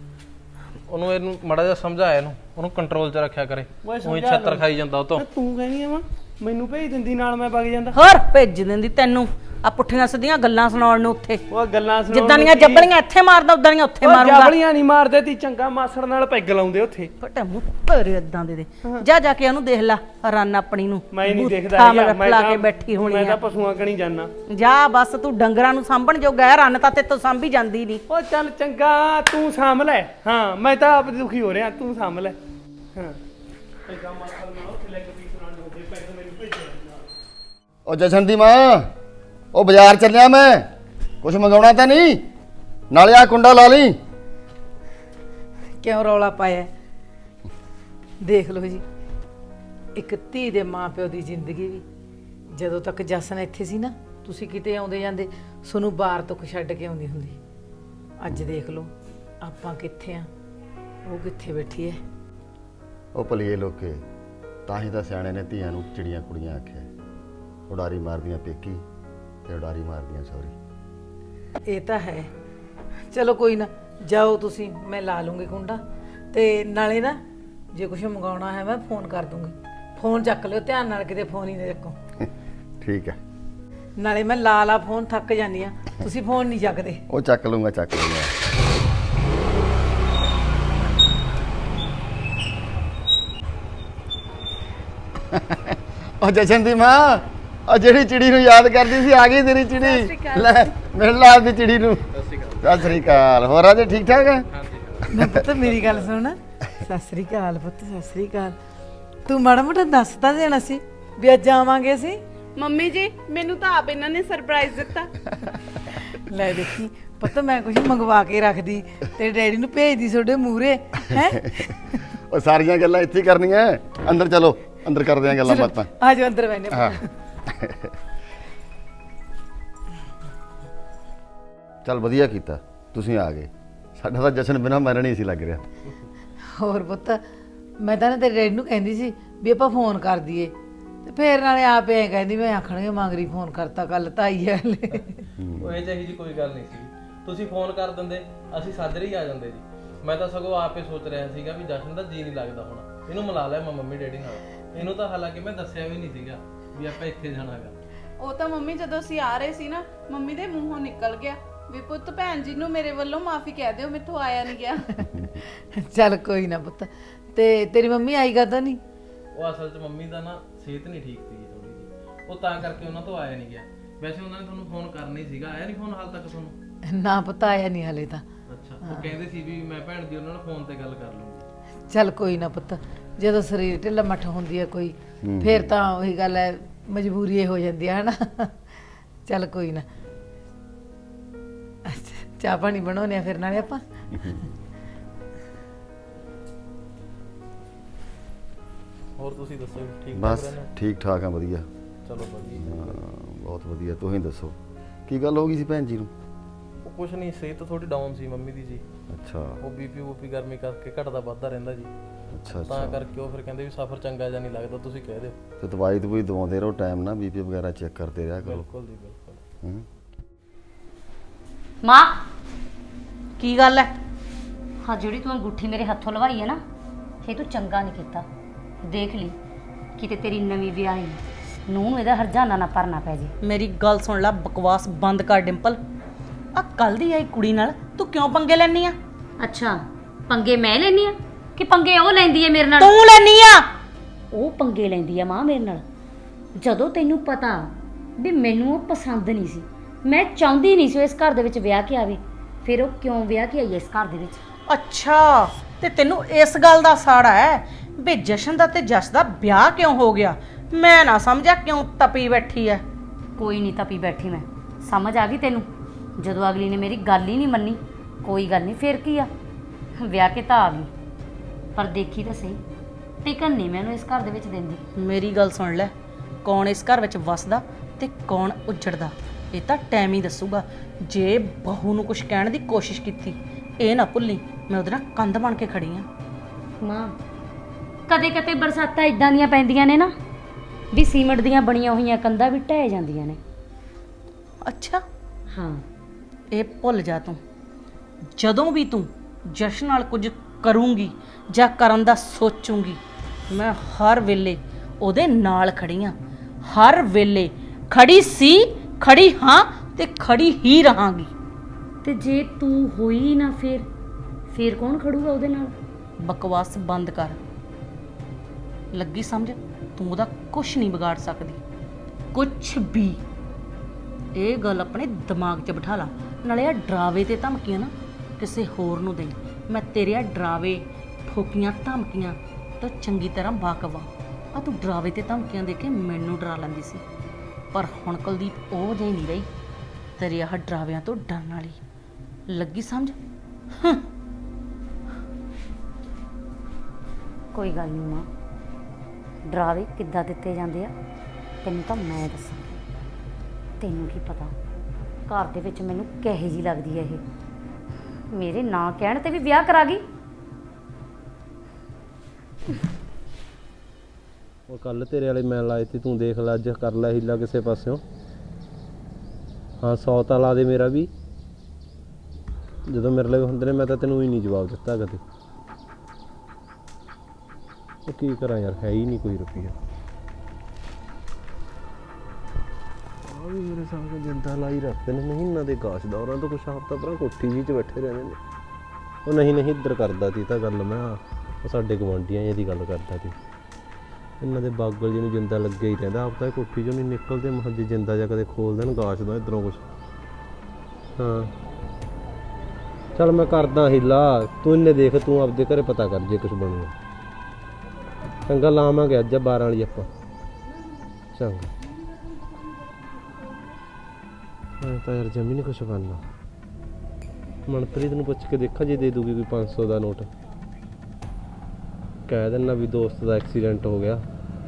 Speaker 2: ਉਹਨੂੰ ਇਹਨੂੰ ਮਾੜਾ ਜਿਹਾ ਸਮਝਾਇਆ, ਇਹਨੂੰ ਉਹਨੂੰ ਕੰਟਰੋਲ ਚ ਰੱਖਿਆ ਕਰੇ।
Speaker 6: ਓਏ
Speaker 2: ਉਹੀ
Speaker 6: ਸਮਝਾ
Speaker 2: ਛੱਤਰ ਖਾਈ ਜਾਂਦਾ ਉਹ ਤੋਂ।
Speaker 6: ਤੂੰ ਕਹਿੰਦੀ ਆ ਵਾ ਮੈਨੂੰ ਭੇਜ ਦਿੰਦੀ ਨਾਲ, ਮੈਂ ਵਗ ਜਾਂਦਾ।
Speaker 1: ਹੋਰ ਭੇਜ ਦਿੰਦੀ ਤੈਨੂੰ ਆ ਪੁੱਠੀਆਂ ਸਿੱਧੀਆਂ ਗੱਲਾਂ ਸੁਣਾਉਣ ਨੂੰ ਉੱਥੇ।
Speaker 6: ਉਹ ਗੱਲਾਂ ਸੁਣਾਉਣ
Speaker 1: ਜਿੱਦਾਂ ਦੀਆਂ
Speaker 6: ਨੂੰ ਕੀ-
Speaker 1: ਜੱਬਲੀਆਂ ਇੱਥੇ ਮਾਰਦਾ ਉਦਾਂ ਦੀਆਂ ਉੱਥੇ
Speaker 6: ਓਏ
Speaker 1: ਮਾਰੂੰਗਾ।
Speaker 6: ਜਬਲੀਆਂ ਨਹੀਂ ਮਾਰਦੇ ਤੀ, ਚੰਗਾ ਮਾਸੜ ਨਾਲ ਪੈਗ ਲਾਉਂਦੇ ਉੱਥੇ।
Speaker 1: ਫਟੇ ਮੂੰਹ ਭਰੇ ਇਦਾਂ ਦੇ ਜਾ ਜਾ ਕੇ ਉਹਨੂੰ ਦੇਖ ਲੈ, ਰਨ ਆਪਣੀ ਨੂੰ
Speaker 6: ਮੈਂ ਨਹੀਂ ਦੇਖਦਾ
Speaker 1: ਬੂਥਾ
Speaker 6: ਹੈਗਾ,
Speaker 1: ਮਗਰ ਲਾ ਕੇ ਬੈਠੀ ਹੋਣੀ
Speaker 6: ਮੈਂ
Speaker 1: ਆ।
Speaker 6: ਤਾਂ ਪਸ਼ੂਆਂ ਕਣੀ ਜਾਣਾ।
Speaker 1: ਜਾ ਬਸ, ਤੂੰ ਡੰਗਰਾਂ ਨੂੰ ਸਾਂਭਣ ਜੋਗਾ ਹੈ, ਰਨ ਤਾਂ ਤੇਤੋਂ ਸਾਂਭੀ ਜਾਂਦੀ ਨਹੀਂ।
Speaker 6: ਉਹ ਚੱਲ ਚੰਗਾ ਤੂੰ ਸਾਂਭ ਲੈ। ਹਾਂ ਮੈਂ ਤਾਂ ਆਪ ਦੁਖੀ ਹੋ ਰਿਹਾ, ਤੂੰ ਸਾਂਭ ਲੈ। ਹਾਂ ਚੰਗਾ ਮਾਸੜ ਨਾਲ ਉੱਥੇ ਲੈਗ ਪੀਸ ਨਾਲ ਦੇ ਪੈਗ ਮੈਨੂੰ ਭੇਜਿਆ।
Speaker 7: ਉਹ ਜਸ਼ਨ ਦੀ ਮਾਂ, ਉਹ ਬਾਜ਼ਾਰ ਚੱਲਿਆ ਮੈਂ, ਕੁਛ ਮੰਗਾਉਣਾ ਤਾਂ ਨਹੀਂ? ਨਾਲੇ ਆ ਕੁੰਡਾ ਲਾ ਲਈ।
Speaker 8: ਕਿਉਂ ਰੌਲਾ ਪਾਇਆ? ਦੇਖ ਲਓ ਜੀ, ਇੱਕ ਧੀ ਦੇ ਮਾਪਿਓ ਦੀ ਜ਼ਿੰਦਗੀ ਵੀ, ਜਦੋਂ ਤੱਕ ਜਸਨ ਇੱਥੇ ਸੀ ਨਾ, ਤੁਸੀਂ ਕਿਤੇ ਆਉਂਦੇ ਜਾਂਦੇ, ਤੁਹਾਨੂੰ ਬਾਹਰ ਤੋਂ ਛੱਡ ਕੇ ਆਉਂਦੀ ਹੁੰਦੀ। ਅੱਜ ਦੇਖ ਲਓ ਆਪਾਂ ਕਿੱਥੇ ਆ, ਉਹ ਕਿੱਥੇ ਬੈਠੀ ਹੈ।
Speaker 7: ਉਹ ਭਲੀਏ ਲੋਕੇ, ਤਾਂ ਹੀ ਤਾਂ ਸਿਆਣੇ ਨੇ ਧੀਆਂ ਨੂੰ ਚਿੜੀਆਂ ਕੁੜੀਆਂ ਆਖਿਆ। ਉਡਾਰੀ ਮਾਰਦੀਆਂ ਪੇਕੀ ਤੇ ਉਡਾਰੀ ਮਾਰਦੀਆਂ ਸੌਰੀ।
Speaker 8: ਇਹ ਤਾਂ ਹੈ। ਚਲੋ ਕੋਈ ਨਾ, ਜਾਓ ਤੁਸੀਂ, ਮੈਂ ਲਾ ਲੂੰਗੀ ਕੁੰਡਾ। ਤੇ ਨਾਲੇ ਨਾ ਜੇ ਕੁਝ ਮੰਗਾਉਣਾ ਹੈ ਮੈਂ ਫੋਨ ਕਰ ਦੂੰਗੀ। ਫੋਨ ਚੱਕ ਲਿਓ ਧਿਆਨ ਨਾਲ, ਕਿਤੇ ਫੋਨ ਹੀ ਨਾ ਚੱਕੋ।
Speaker 7: ਠੀਕ ਹੈ।
Speaker 8: ਨਾਲੇ ਮੈਂ ਲਾ ਫੋਨ, ਥੱਕ ਜਾਂਦੀ ਆ, ਤੁਸੀਂ ਫੋਨ ਨਹੀਂ ਚੱਕਦੇ।
Speaker 7: ਉਹ ਚੱਕ ਲੂੰਗਾ, ਚੱਕ ਲੂੰਗਾ। ਉਹ ਜਸ਼ਨ ਦੀ ਮਾਂ, ਉਹ ਜਿਹੜੀ ਚਿੜੀ ਨੂੰ ਯਾਦ ਕਰਦੀ ਸੀ, ਆ ਗਈ ਤੇਰੀ ਚਿੜੀ। ਲੈ ਮਿਲ ਲਾ ਦੀ ਚਿੜੀ ਨੂੰ। ਸਤਿ ਸ੍ਰੀ ਅਕਾਲ। ਹੋਰ ਰਾਜੇ ਠੀਕ ਠਾਕ ਹੈ?
Speaker 8: ਨਾ ਪੁੱਤ ਮੇਰੀ ਗੱਲ ਸੁਣ। ਸਤਿ ਸ੍ਰੀ ਅਕਾਲ ਪੁੱਤ, ਸਤਿ ਸ੍ਰੀ ਅਕਾਲ। ਤੂੰ ਮਾੜਾ ਮੋਟਾ ਦੱਸ ਤਾਂ ਦੇਣਾ ਸੀ ਵੀ ਅੱਜ ਆਵਾਂਗੇ ਅਸੀਂ।
Speaker 3: ਮੰਮੀ ਜੀ ਮੈਨੂੰ ਤਾਂ ਆਪ ਇਹਨਾਂ ਨੇ ਸਰਪ੍ਰਾਈਜ਼ ਦਿੱਤਾ।
Speaker 8: ਲੈ ਦੇਖੀ ਪੁੱਤ, ਮੈਂ ਕੁਝ ਮੰਗਵਾ ਕੇ ਰੱਖਦੀ ਤੇ ਡੈਡੀ ਨੂੰ ਭੇਜਦੀ ਤੁਹਾਡੇ ਮੂਹਰੇ ਹੈ।
Speaker 7: ਉਹ ਸਾਰੀਆਂ ਗੱਲਾਂ ਇੱਥੇ ਹੀ ਕਰਨੀਆਂ। ਅੰਦਰ ਚਲੋ, ਅੰਦਰ ਕਰਦੇ ਆਂ ਗੱਲਾਂ ਬਾਤਾਂ।
Speaker 8: ਆ ਜਾਓ ਅੰਦਰ ਬੈਠੇ।
Speaker 7: ਹਾਂ ਚੱਲ ਵਧੀਆ ਕੀਤਾ ਤੁਸੀਂ ਆ ਗਏ, ਸਾਡਾ ਤਾਂ ਜਸ਼ਨ ਬਿਨਾਂ ਮਰਨ ਹੀ ਸੀ ਲੱਗ ਰਿਹਾ।
Speaker 8: ਹੋਰ ਪੁੱਤ, ਮੈਂ ਤਾਂ ਨਾ ਤੇਰੇ ਡੈਡੀ ਨੂੰ ਕਹਿੰਦੀ ਸੀ ਵੀ ਆਪਾਂ ਫੋਨ ਕਰ ਦਈਏ, ਤੇ ਫੇਰ ਨਾਲੇ ਆਪ ਐ ਕਹਿੰਦੀ ਮੈਂ ਆਖਣਗੇ ਮੰਗਰੀ ਫੋਨ ਕਰਤਾ, ਕੱਲ ਤਾਂ ਆਈ ਹੈ ਹਲੇ।
Speaker 2: ਉਹ ਇਹ ਜਿਹੀ ਜੀ ਕੋਈ ਗੱਲ ਨਹੀਂ ਸੀ, ਤੁਸੀਂ ਫੋਨ ਕਰ ਦਿੰਦੇ ਅਸੀਂ ਸਾਜਰੇ ਹੀ ਆ ਜਾਂਦੇ ਜੀ। ਮੈਂ ਤਾਂ ਸਗੋਂ ਆਪੇ ਸੋਚ ਰਿਹਾ ਸੀਗਾ ਵੀ ਜਸ਼ਨ ਦਾ ਜੀ ਨਹੀਂ ਲੱਗਦਾ ਹੁਣ, ਇਹਨੂੰ ਮਿਲਾ ਲਿਆ ਮੈਂ ਮੰਮੀ ਡੈਡੀ ਨਾਲ। ਇਹਨੂੰ ਤਾਂ ਹਾਲਾਂਕਿ ਮੈਂ ਦੱਸਿਆ ਵੀ ਨਹੀਂ ਸੀਗਾ ਵੀ ਆਪਾਂ ਇੱਥੇ ਜਾਣਾਗਾ।
Speaker 3: ਉਹ ਤਾਂ ਮੰਮੀ ਜਦੋਂ ਅਸੀਂ ਆ ਰਹੇ ਸੀ ਨਾ, ਮੰਮੀ ਦੇ ਮੂੰਹੋਂ ਨਿਕਲ ਗਿਆ ਵੀ ਪੁੱਤ ਭੈਣ ਜੀ ਨੂੰ ਮੇਰੇ ਵੱਲੋਂ ਮਾਫੀ ਕਹਿ ਦਿਓ, ਮੈਥੋਂ ਆਇਆ ਨਹੀਂ ਗਿਆ।
Speaker 8: ਚੱਲ ਕੋਈ ਨਾ ਪੁੱਤ। ਤੇ ਤੇਰੀ ਮੰਮੀ ਆਈ ਗਾ ਤਾਂ ਨਹੀਂ?
Speaker 2: ਉਹ ਅਸਲ 'ਚ ਮੰਮੀ ਦਾ ਨਾ ਸਿਹਤ ਨਹੀਂ ਠੀਕ ਸੀ ਥੋੜੀ ਜਿਹੀ, ਉਹ ਤਾਂ ਕਰਕੇ ਉਹਨਾਂ ਤੋਂ ਆਇਆ ਨਹੀਂ ਗਿਆ। ਵੈਸੇ ਉਹਨਾਂ ਨੇ ਤੁਹਾਨੂੰ ਫੋਨ ਕਰਨਾ ਹੀ ਸੀਗਾ, ਆਇਆ ਨਹੀਂ ਫੋਨ ਹਾਲ ਤੱਕ ਤੁਹਾਨੂੰ?
Speaker 8: ਨਾ ਪੁੱਤ ਆਇਆ ਨਹੀਂ ਹਲੇ ਤਾਂ।
Speaker 2: ਅੱਛਾ, ਉਹ ਕਹਿੰਦੇ ਸੀ ਵੀ ਮੈਂ ਭੈਣ ਦੀ ਉਹਨਾਂ ਨਾਲ ਫੋਨ ਤੇ ਗੱਲ ਕਰ ਲੂੰਗੀ।
Speaker 8: ਚੱਲ ਕੋਈ ਨਾ ਪੁੱਤ, ਜਦੋਂ ਸਰੀਰ ਢਿੱਲਾ ਮੱਠ ਹੁੰਦੀ ਹੈ ਕੋਈ, ਫੇਰ ਤਾਂ ਉਹੀ ਗੱਲ ਹੈ, ਮਜਬੂਰੀ ਇਹ ਹੋ ਜਾਂਦੀ ਹੈ ਹਨਾ। ਚੱਲ ਕੋਈ ਨਾ, ਚਾਹ ਪਾਣੀ ਬਣਾਉਣੇ ਆ ਫਿਰ ਨਾਲੇ ਆਪਾਂ।
Speaker 2: ਹੋਰ ਤੁਸੀਂ ਦੱਸੋ ਠੀਕ ਠਾਕ
Speaker 7: ਬਸ
Speaker 2: ਰਹਿੰਦੇ ਹੋ?
Speaker 7: ਠੀਕ ਠਾਕ ਆ, ਵਧੀਆ।
Speaker 2: ਚਲੋ ਵਧੀਆ।
Speaker 7: ਬਹੁਤ ਵਧੀਆ। ਤੁਸੀਂ ਦੱਸੋ ਕੀ ਗੱਲ ਹੋ ਗਈ ਸੀ ਭੈਣ ਜੀ ਨੂੰ?
Speaker 2: ਉਹ ਕੁਛ ਨਹੀਂ, ਸਿਹਤ ਥੋੜੀ ਡਾਊਨ ਸੀ ਮੰਮੀ ਦੀ ਜੀ।
Speaker 7: ਅੱਛਾ
Speaker 2: ਉਹ ਬੀਪੀ ਗਰਮੀ ਕਰਕੇ ਘਟਦਾ ਵੱਧਦਾ ਰਹਿੰਦਾ ਜੀ।
Speaker 7: ਅੱਛਾ
Speaker 2: ਤਾਂ ਕਰਕੇ ਉਹ ਫਿਰ ਕਹਿੰਦੇ ਵੀ ਸਫ਼ਰ ਚੰਗਾ ਜਿਹਾ ਨਹੀਂ ਲੱਗਦਾ, ਤੁਸੀਂ ਕਹਿ ਦਿਓ।
Speaker 7: ਤੇ ਦਵਾਈ ਦਵਾਈ ਦਵਾਉਂਦੇ ਰਹੋ ਟਾਈਮ ਨਾਲ, ਬੀਪੀ ਵਗੈਰਾ ਚੈੱਕ ਕਰਦੇ ਰਿਹਾ ਕਰੋ।
Speaker 2: ਬਿਲਕੁਲ ਜੀ ਬਿਲਕੁਲ।
Speaker 7: ਹੂੰ।
Speaker 5: ਮਾਂ
Speaker 1: ਕੀ ਗੱਲ ਹੈ?
Speaker 5: ਹਾਂ, ਜਿਹੜੀ ਤੂੰ ਅੰਗੂਠੀ ਮੇਰੇ ਹੱਥੋਂ ਲਵਾਈ ਹੈ ਨਾ, ਇਹ ਤੂੰ ਚੰਗਾ ਨਹੀਂ ਕੀਤਾ। ਦੇਖ ਲਈ ਕਿਤੇ ਤੇਰੀ ਨਵੀਂ ਵਿਆਹੀ ਨੂੰ ਇਹਦਾ ਹਰਜਾਨਾ ਨਾ ਭਰਨਾ ਪੈ ਜੇ।
Speaker 1: ਮੇਰੀ ਗੱਲ ਸੁਣ ਲੈ, ਬਕਵਾਸ ਬੰਦ ਕਰ ਡਿੰਪਲ। ਆ ਕੱਲ ਦੀ ਆਈ ਕੁੜੀ ਨਾਲ ਤੂੰ ਕਿਉਂ ਪੰਗੇ ਲੈਣੀ ਆ?
Speaker 5: ਅੱਛਾ, ਪੰਗੇ ਮੈਂ ਲੈਣੀ ਆ ਕਿ ਪੰਗੇ ਉਹ ਲੈਂਦੀ ਹੈ ਮੇਰੇ ਨਾਲ?
Speaker 1: ਤੂੰ ਲੈਣੀ ਆ।
Speaker 5: ਉਹ ਪੰਗੇ ਲੈਂਦੀ ਆ ਮਾਂ ਮੇਰੇ ਨਾਲ। ਜਦੋਂ ਤੈਨੂੰ ਪਤਾ ਵੀ ਮੈਨੂੰ ਉਹ ਪਸੰਦ ਨਹੀਂ ਸੀ, ਮੈਂ ਚਾਹੁੰਦੀ ਨਹੀਂ ਸੀ ਉਹ ਇਸ ਘਰ ਦੇ ਵਿੱਚ ਵਿਆਹ ਕੇ ਆਵੇ, ਫਿਰ ਉਹ ਕਿਉਂ ਵਿਆਹ ਕੇ ਆਈ ਇਸ ਘਰ ਦੇ ਵਿੱਚ?
Speaker 1: ਅੱਛਾ, ਤੇ ਤੈਨੂੰ ਇਸ ਗੱਲ ਦਾ ਸਾੜਾ ਹੈ ਵੀ ਜਸ਼ਨ ਦਾ ਤੇ ਜਸ ਦਾ ਵਿਆਹ ਕਿਉਂ ਹੋ ਗਿਆ? ਮੈਂ ਨਾ ਸਮਝਿਆ ਕਿਉਂ ਤਪੀ ਬੈਠੀ ਐ।
Speaker 5: ਕੋਈ ਨਹੀਂ ਤਪੀ ਬੈਠੀ ਮੈਂ, ਸਮਝ ਆ ਗਈ ਤੈਨੂੰ। ਜਦੋਂ ਅਗਲੀ ਨੇ ਮੇਰੀ ਗੱਲ ਹੀ ਨਹੀਂ ਮੰਨੀ, ਕੋਈ ਗੱਲ ਨਹੀਂ, ਫਿਰ ਕੀ ਆ, ਵਿਆਹ ਕੇ ਤਾਂ ਆ ਗਈ, ਪਰ ਦੇਖੀ ਤਾਂ ਸਹੀ, ਟਿਕਣ ਨਹੀਂ ਮੈਨੂੰ ਇਸ ਘਰ ਦੇ ਵਿੱਚ ਦਿੰਦੀ।
Speaker 1: ਮੇਰੀ ਗੱਲ ਸੁਣ ਲੈ, ਕੌਣ ਇਸ ਘਰ ਵਿੱਚ ਵਸਦਾ ਤੇ ਕੌਣ ਉੱਜੜਦਾ ਇਹ ਤਾਂ ਟਾਈਮ ਹੀ ਦੱਸੂਗਾ। ਜੇ ਬਹੂ ਨੂੰ ਕੁਝ ਕਹਿਣ ਦੀ ਕੋਸ਼ਿਸ਼ ਕੀਤੀ, ਇਹ ਨਾ ਭੁੱਲੀ ਮੈਂ ਉਹਦੇ ਨਾਲ ਕੰਧ ਬਣ ਕੇ ਖੜੀ ਆ।
Speaker 5: ਮਾਂ, ਕਦੇ ਕਦੇ ਬਰਸਾਤਾਂ ਇਦਾਂ ਦੀਆਂ ਪੈਂਦੀਆਂ ਨੇ ਨਾ ਵੀ ਸੀਮਟ ਦੀਆਂ ਬਣੀਆਂ ਹੋਈਆਂ ਕੰਧਾਂ ਵੀ ਢਹਿ ਜਾਂਦੀਆਂ ਨੇ।
Speaker 1: ਅੱਛਾ,
Speaker 5: ਹਾਂ,
Speaker 1: ਇਹ ਭੁੱਲ ਜਾ ਤੂੰ। ਜਦੋਂ ਵੀ ਤੂੰ ਜਸ਼ਨ ਨਾਲ ਕੁਝ ਕਰੂੰਗੀ ਜਾਂ ਕਰਨ ਦਾ ਸੋਚੂੰਗੀ, ਮੈਂ ਹਰ ਵੇਲੇ ਉਹਦੇ ਨਾਲ ਖੜੀ ਆ। ਹਰ ਵੇਲੇ ਖੜੀ ਸੀ, ਖੜੀ ਹਾਂ ਤੇ ਖੜੀ ਹੀ ਰਹਾਂਗੀ।
Speaker 5: ਤੇ ਜੇ ਤੂੰ ਹੋਈ ਨਾ, ਫਿਰ ਕੌਣ ਖੜੂਗਾ ਉਹਦੇ ਨਾਲ?
Speaker 1: ਬਕਵਾਸ ਬੰਦ ਕਰ। ਲੱਗੀ ਸਮਝ, ਤੂੰ ਉਹਦਾ ਕੁਝ ਨਹੀਂ ਵਿਗਾੜ ਸਕਦੀ, ਕੁਝ ਵੀ। ਇਹ ਗੱਲ ਆਪਣੇ ਦਿਮਾਗ 'ਚ ਬਿਠਾ ਲਾ। ਨਾਲੇ ਆ ਡਰਾਵੇ ਤੇ ਧਮਕੀਆਂ ਨਾ ਕਿਸੇ ਹੋਰ ਨੂੰ ਦੇ। ਮੈਂ ਤੇਰੇ ਆ ਡਰਾਵੇ, ਠੋਕੀਆਂ, ਧਮਕੀਆਂ ਤਾਂ ਚੰਗੀ ਤਰ੍ਹਾਂ ਵਾਕਫ ਆ। ਤੂੰ ਡਰਾਵੇ ਤੇ ਧਮਕੀਆਂ ਦੇ ਕੇ ਮੈਨੂੰ ਡਰਾ ਲੈਂਦੀ ਸੀ, ਪਰ ਹੁਣ ਕੁਲਦੀਪ ਉਹ ਜਿਹੀ ਨਹੀਂ ਰਹੀ। ਤੇਰੇ ਆਹ ਡਰਾਵਿਆਂ ਤੋਂ ਡਰਨ ਵਾਲੀ। ਲੱਗੀ ਸਮਝ?
Speaker 5: ਕੋਈ ਗੱਲ ਨਹੀਂ ਮਾਂ, ਡਰਾਵੇ ਕਿੱਦਾਂ ਦਿੱਤੇ ਜਾਂਦੇ ਆ ਤੈਨੂੰ ਤਾਂ ਮੈਂ ਦੱਸਾਂ। ਤੈਨੂੰ ਕੀ ਪਤਾ ਘਰ ਦੇ ਵਿੱਚ ਮੈਨੂੰ ਕਿਹੋ ਜਿਹੀ ਲੱਗਦੀ ਹੈ ਇਹ, ਮੇਰੇ ਨਾਂ ਕਹਿਣ ਤੇ ਵੀ ਵਿਆਹ ਕਰਾ ਗਈ।
Speaker 2: ਉਹ ਕੱਲ ਤੇਰੇ ਵਾਲੇ ਮੈਂ ਲਾਏ ਤੇ ਤੂੰ ਦੇਖ ਲੈ, ਅੱਜ ਕਰ ਲੈ ਹੀਲਾ ਕਿਸੇ ਪਾਸਿਓਂ। ਹਾਂ, 100 ਤਾਂ ਲਾ ਦੇ ਮੇਰਾ ਵੀ। ਜਦੋਂ ਮੇਰੇ ਲਈ ਹੁੰਦੇ ਨੇ ਮੈਂ ਤਾਂ ਤੈਨੂੰ ਹੀ ਨਹੀਂ ਜਵਾਬ ਦਿੱਤਾ ਕਦੇ। ਉਹ ਕੀ ਕਰਾਂ ਯਾਰ, ਹੈ ਹੀ ਨਹੀਂ ਕੋਈ ਰੁਪਈਆ। ਆ ਵੀ ਮੇਰੇ ਸਾਹਮਣੇ ਜਿੰਦਾ ਲਾਈ ਰੱਖਦੇ ਨੇ ਮਹੀਨਾ ਦੇ ਗਾਸ਼ ਦਾ, ਉਹਨਾਂ ਤੋਂ ਕੁਛ ਹਫ਼ਤਾ ਪਹਿਲਾਂ ਕੋਠੀ ਜੀ 'ਚ ਬੈਠੇ ਰਹਿੰਦੇ ਨੇ। ਉਹ ਨਹੀਂ ਇੱਧਰ ਕਰਦਾ ਸੀ ਤਾਂ ਗੱਲ, ਮੈਂ ਉਹ ਸਾਡੇ ਗਵਾਂਢੀਆਂ ਜਿਹੀ ਦੀ ਗੱਲ ਕਰਦਾ ਸੀ। ਇਹਨਾਂ ਦੇ ਬਾਗਲ ਜਿਹਨੂੰ ਜਿੰਦਾ ਲੱਗਿਆ ਹੀ ਰਹਿੰਦਾ, ਆਪ ਤਾਂ ਕੋਠੀ 'ਚੋਂ ਨਹੀਂ ਨਿਕਲਦੇ। ਮਹੱਜੇ ਜਿੰਦਾ ਜਾਂ ਕਦੇ ਖੋਲ ਦੇਣ ਗਾਸ਼ ਦਾ ਇੱਧਰੋਂ ਕੁਛ। ਹਾਂ ਚੱਲ ਮੈਂ ਕਰਦਾ ਹੀਲਾ, ਤੂੰ ਇਹਨੇ ਦੇਖ, ਤੂੰ ਆਪਦੇ ਘਰੇ ਪਤਾ ਕਰ ਜੇ ਕੁਛ ਬਣੂਗਾ। ਚੰਗਾ, ਲਾਵਾਂਗੇ ਅੱਜ 12 ਵਾਲੀ ਆਪਾਂ। ਚੰਗਾ। ਮੈਂ ਤਾਂ ਯਾਰ ਜਮੀ ਨਹੀਂ ਕੁਛ ਬਣਨਾ। ਮਨਪ੍ਰੀਤ ਨੂੰ ਪੁੱਛ ਕੇ ਦੇਖਾਂ, ਜੇ ਦੇ ਦੂਗੀ ਕੋਈ 500 ਦਾ ਨੋਟ, ਕਹਿ ਦੇਣਾ ਵੀ ਦੋਸਤ ਦਾ ਐਕਸੀਡੈਂਟ ਹੋ ਗਿਆ।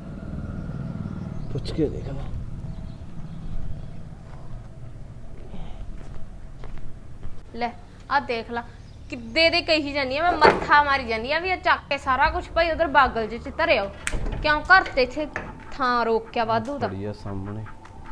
Speaker 2: ਪੁੱਛ ਕੇ ਦੇਖ ਲਾ।
Speaker 4: ਲੈ ਆ ਦੇਖ ਲਾ, ਕਿੱਦੇ ਦੇ ਕਹੀ ਜਾਂਦੀ ਆ, ਮੈਂ ਮੱਥਾ ਮਾਰੀ ਜਾਂਦੀ ਆ ਵੀ ਇਹ ਚੱਕ ਕੇ ਸਾਰਾ ਕੁਝ ਭਾਈ ਉਧਰ ਬਾਗਲ ਚ ਧਰਿਓ। ਕਿਉਂ ਘਰ ਤੇ ਇੱਥੇ ਥਾਂ ਰੋਕਿਆ ਵਾਧੂ ਦਾ?
Speaker 2: ਬੜੀ ਆ ਸਾਹਮਣੇ।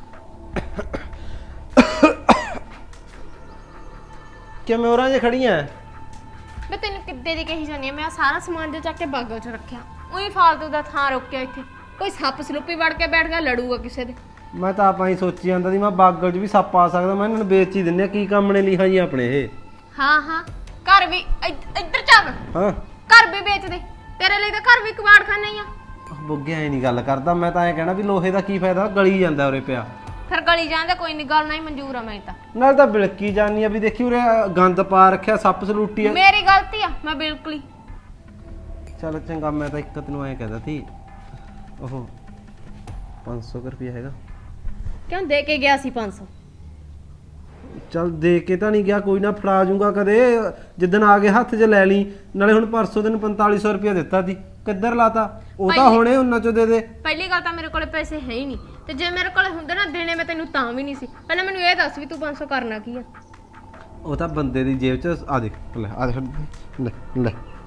Speaker 2: ਕਿਵੇਂ ਹੋਰਾਂ ਜੇ ਖੜੀਆਂ?
Speaker 4: ਮੈਂ ਤੈਨੂੰ ਕਿੱਦੇ ਦੀ ਕਹੀ ਜਾਂਦੀ ਆ, ਮੈਂ ਆਹ ਸਾਰਾ ਸਮਾਨ ਜਿਹਾ ਚੱਕ ਕੇ ਬਾਗਲ ਚ ਰੱਖਿਆ, ਉਹੀ ਫਾਲਤੂ ਦਾ ਥਾਂ ਰੋਕਿਆ ਇੱਥੇ। ਕੋਈ ਸੱਪ ਸਲੂਪੀ ਵੜ ਕੇ ਬੈਠ ਗਿਆ, ਲੜੂਗਾ ਕਿਸੇ ਦੇ।
Speaker 2: ਮੈਂ ਤਾਂ ਆਪਾਂ ਹੀ ਸੋਚੀ ਜਾਂਦਾ ਸੀ, ਮੈਂ ਬਾਗਲ 'ਚ ਵੀ ਸੱਪ ਆ ਸਕਦਾ, ਮੈਂ ਇਹਨਾਂ ਨੂੰ ਵੇਚ ਹੀ ਦਿੰਨੇ ਆ। ਕੀ ਕੰਮ ਨੇ ਲਿਖਾ ਜੀ ਆਪਣੇ ਇਹ?
Speaker 4: ਹਾਂ ਘਰ ਵੀ ਇੱਧਰ ਚੱਲ,
Speaker 2: ਹਾਂ,
Speaker 4: ਘਰ ਵੀ ਵੇਚ ਦੇ, ਤੇਰੇ ਲਈ ਤਾਂ ਘਰ ਵੀ ਕਬਾੜਖਾਨਾ ਹੀ ਆ।
Speaker 2: ਬੁੱਗੇ ਐ ਨਹੀਂ ਗੱਲ ਕਰਦਾ, ਮੈਂ ਤਾਂ ਐ ਕਹਿਣਾ ਵੀ ਲੋਹੇ ਦਾ ਕੀ ਫਾਇਦਾ, ਗਲੀ ਜਾਂਦਾ ਉਰੇ ਪਿਆ।
Speaker 4: ਫਿਰ ਗਲੀ ਜਾਂਦਾ, ਕੋਈ ਨਹੀਂ, ਗੱਲ ਨਹੀਂ ਮਨਜ਼ੂਰ ਆ ਮੈਨੂੰ ਤਾਂ।
Speaker 2: ਨਾਲ ਤਾਂ ਬਿਲਕੀ ਜਾਨੀ ਆ ਵੀ ਦੇਖੀ ਉਰੇ ਗੰਦ ਪਾ ਰੱਖਿਆ, ਸੱਪ ਸਲੂਟੀ ਆ।
Speaker 4: ਮੇਰੀ ਗਲਤੀ ਆ, ਮੈਂ ਬਿਲਕੁਲ ਹੀ।
Speaker 2: ਚੱਲ ਚੰਗਾ, ਮੈਂ ਤਾਂ ਇੱਕ ਤੈਨੂੰ ਐ ਕਹਿੰਦਾ ਸੀ, ਉਹ 500 ਰੁਪਇਆ ਹੈਗਾ।
Speaker 4: ਕਿਉਂ ਦੇ ਕੇ ਗਿਆ ਸੀ 500?
Speaker 2: ਚੱਲ ਦੇ ਕੇ ਤਾਂ ਨਹੀਂ ਗਿਆ, ਕੋਈ ਨਾ ਫੜਾ ਜੂੰਗਾ ਕਦੇ, ਜਿੱਦਣ ਆ ਕੇ ਹੱਥ 'ਚ ਲੈ ਲਈ। ਨਾਲੇ ਹੁਣ ਪਰਸੋਂ ਤੈਨੂੰ 4500 ਰੁਪਇਆ ਦਿੱਤਾ ਸੀ, ਕਿੱਧਰ ਲਾਤਾ? ਉਹ ਤਾਂ ਹੁਣੇ ਉਹਨਾਂ 'ਚੋਂ ਦੇ ਦੇ।
Speaker 4: ਪਹਿਲੀ ਗੱਲ ਤਾਂ ਮੇਰੇ ਕੋਲੇ ਪੈਸੇ ਹੈ ਹੀ ਨਹੀਂ, ਤੇ ਜੇ ਮੇਰੇ ਕੋਲੇ ਹੁੰਦੇ ਨਾ ਦੇਣੇ ਮੈਂ ਤੈਨੂੰ ਤਾਂ ਵੀ ਨਹੀਂ ਸੀ। ਪਹਿਲਾਂ ਮੈਨੂੰ ਇਹ ਦੱਸ ਵੀ ਤੂੰ 500 ਕਰਨਾ ਕੀ ਆ?
Speaker 2: ਉਹ ਤਾਂ ਬੰਦੇ ਦੀ ਜੇਬ 'ਚ ਆ ਦੇਖ ਲੈ ਆ ਦੇਖ ਲੈ ਲੈ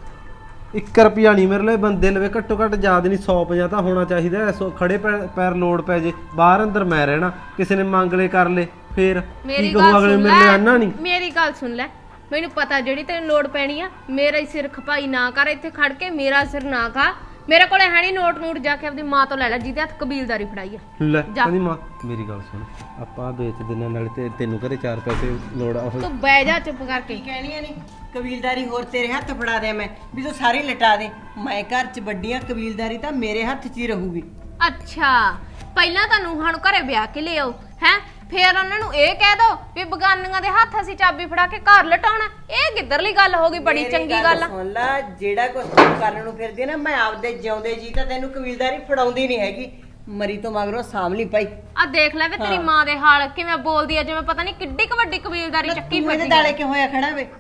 Speaker 2: 1 ਰੁਪਿਆ ਨਹੀਂ ਮੇਰੇ ਲਈ ਬੰਦੇ ਲਵੇ ਘੱਟੋ ਘੱਟ ਯਾਦ ਨਹੀਂ 150 ਤਾਂ ਹੋਣਾ ਚਾਹੀਦਾ ਖੜੇ ਪੈਰ ਲੋੜ ਪੈ ਜੇ ਬਾਹਰ ਅੰਦਰ ਮੈਂ ਰਹਿਣਾ ਕਿਸੇ ਨੇ ਮੰਗ ਲੈ ਕਰ ਲੈ ਫੇਰ
Speaker 4: ਮੇਰੀ
Speaker 2: ਕੀ
Speaker 4: ਗੱਲ
Speaker 2: ਕਹੂੰ ਅਗਲੇ
Speaker 4: ਸੁਣ
Speaker 2: ਮੇਰੇ ਲਈ
Speaker 4: ਲੈ
Speaker 2: ਆਨਾ ਨਹੀਂ
Speaker 4: ਮੇਰੀ ਗੱਲ ਸੁਣ ਲੈ ਮੈਨੂੰ ਪਤਾ ਜਿਹੜੀ ਤੈਨੂੰ ਲੋੜ ਪੈਣੀ ਆ ਮੇਰਾ ਹੀ ਸਿਰ ਖਪਾਈ ਨਾ ਕਰ ਇੱਥੇ ਖੜ ਕੇ ਮੇਰਾ ਸਿਰ ਨਾ ਖਾ ਮੇਰੇ ਕੋਲੇ ਹੈ ਨਹੀਂ ਨੋਟ ਜਾ ਕੇ ਆਪਣੀ ਮਾਂ ਤੋਂ ਲੈ ਲੈ ਜਿਹਦੇ ਹੱਥ ਕਬੀਲਦਾਰੀ ਫੜਾਈ ਆ
Speaker 2: ਲੈ
Speaker 4: ਜਾ।
Speaker 2: ਕਹਿੰਦੀ ਮਾਂ ਮੇਰੀ ਗੱਲ ਸੁਣ ਆਪਾਂ ਵੇਚ ਦਿੰਨੇ ਨਾਲੇ ਤੇ ਤੈਨੂੰ ਘਰੇ 4 ਪੈਸੇ ਲੋੜ ਆ ਉਹ
Speaker 4: ਤੂੰ ਬਹਿ ਜਾ ਚੁੱਪ ਕਰਕੇ
Speaker 9: ਕਹਿਣੀਆਂ ਨਹੀਂ ਕਬੀਲਦਾਰੀ ਹੋਰ ਤੇਰੇ ਹੱਥ ਫੜਾ ਦਿਆਂ ਮੈਂ ਵੀ ਤੂੰ ਸਾਰੀ ਲਟਾ ਦੇ ਮੈਂ ਘਰ 'ਚ ਵੱਡੀਆਂ ਕਬੀਲਦਾਰੀ ਤਾਂ ਮੇਰੇ ਹੱਥ 'ਚ ਹੀ ਰਹੂਗੀ।
Speaker 4: ਅੱਛਾ ਪਹਿਲਾਂ ਤਾਂ ਨੂੰਹਾਂ ਨੂੰ ਘਰੇ ਵਿਆਹ ਕੇ ਲਿਆਓ ਹੈ ਫੇਰ ਉਹਨਾਂ ਨੂੰ ਇਹ ਕਹਿ ਦੋ ਵੀ ਬਗਾਨੀਆਂ ਦੇ ਹੱਥ ਅਸੀਂ ਚਾਬੀ ਫੜਾ ਕੇ ਘਰ ਲਟਾਉਣਾ ਇਹ ਕਿੱਧਰਲੀ ਗੱਲ ਹੋ ਗਈ ਬੜੀ
Speaker 9: ਮੇਰੀ
Speaker 4: ਚੰਗੀ ਗੱਲ ਆ
Speaker 9: ਸੁਣ ਲੈ ਜਿਹੜਾ ਕੁਝ ਤੂੰ ਕਰਨ ਨੂੰ ਫਿਰਦੀ ਆ ਨਾ ਮੈਂ ਆਪਦੇ ਜਿਉਂਦੇ ਜੀ ਤਾਂ ਤੈਨੂੰ ਕਬੀਲਦਾਰੀ ਫੜਾਉਂਦੀ ਨਹੀਂ ਹੈਗੀ ਮਰੀ ਤੋਂ ਮਗਰੋਂ ਸਾਂਭ ਲਈ ਭਾਈ।
Speaker 4: ਆ ਦੇਖ ਲੈ ਵੇ ਤੇਰੀ ਮਾਂ ਦੇ ਹਾਲ ਕਿਵੇਂ ਬੋਲਦੀ ਆ ਜਿਵੇਂ ਪਤਾ ਨਹੀਂ ਕਿੱਡੀ ਕੁ ਵੱਡੀ ਕਬੀਲਦਾਰੀ ਚੱਕੀ
Speaker 9: ਤੂੰ ਇਹਦੇ
Speaker 4: ਫਿਰਦੀ
Speaker 9: ਦਾਲੇ ਕਿਉਂ ਹੋਇਆ ਖੜਾ ਵੇ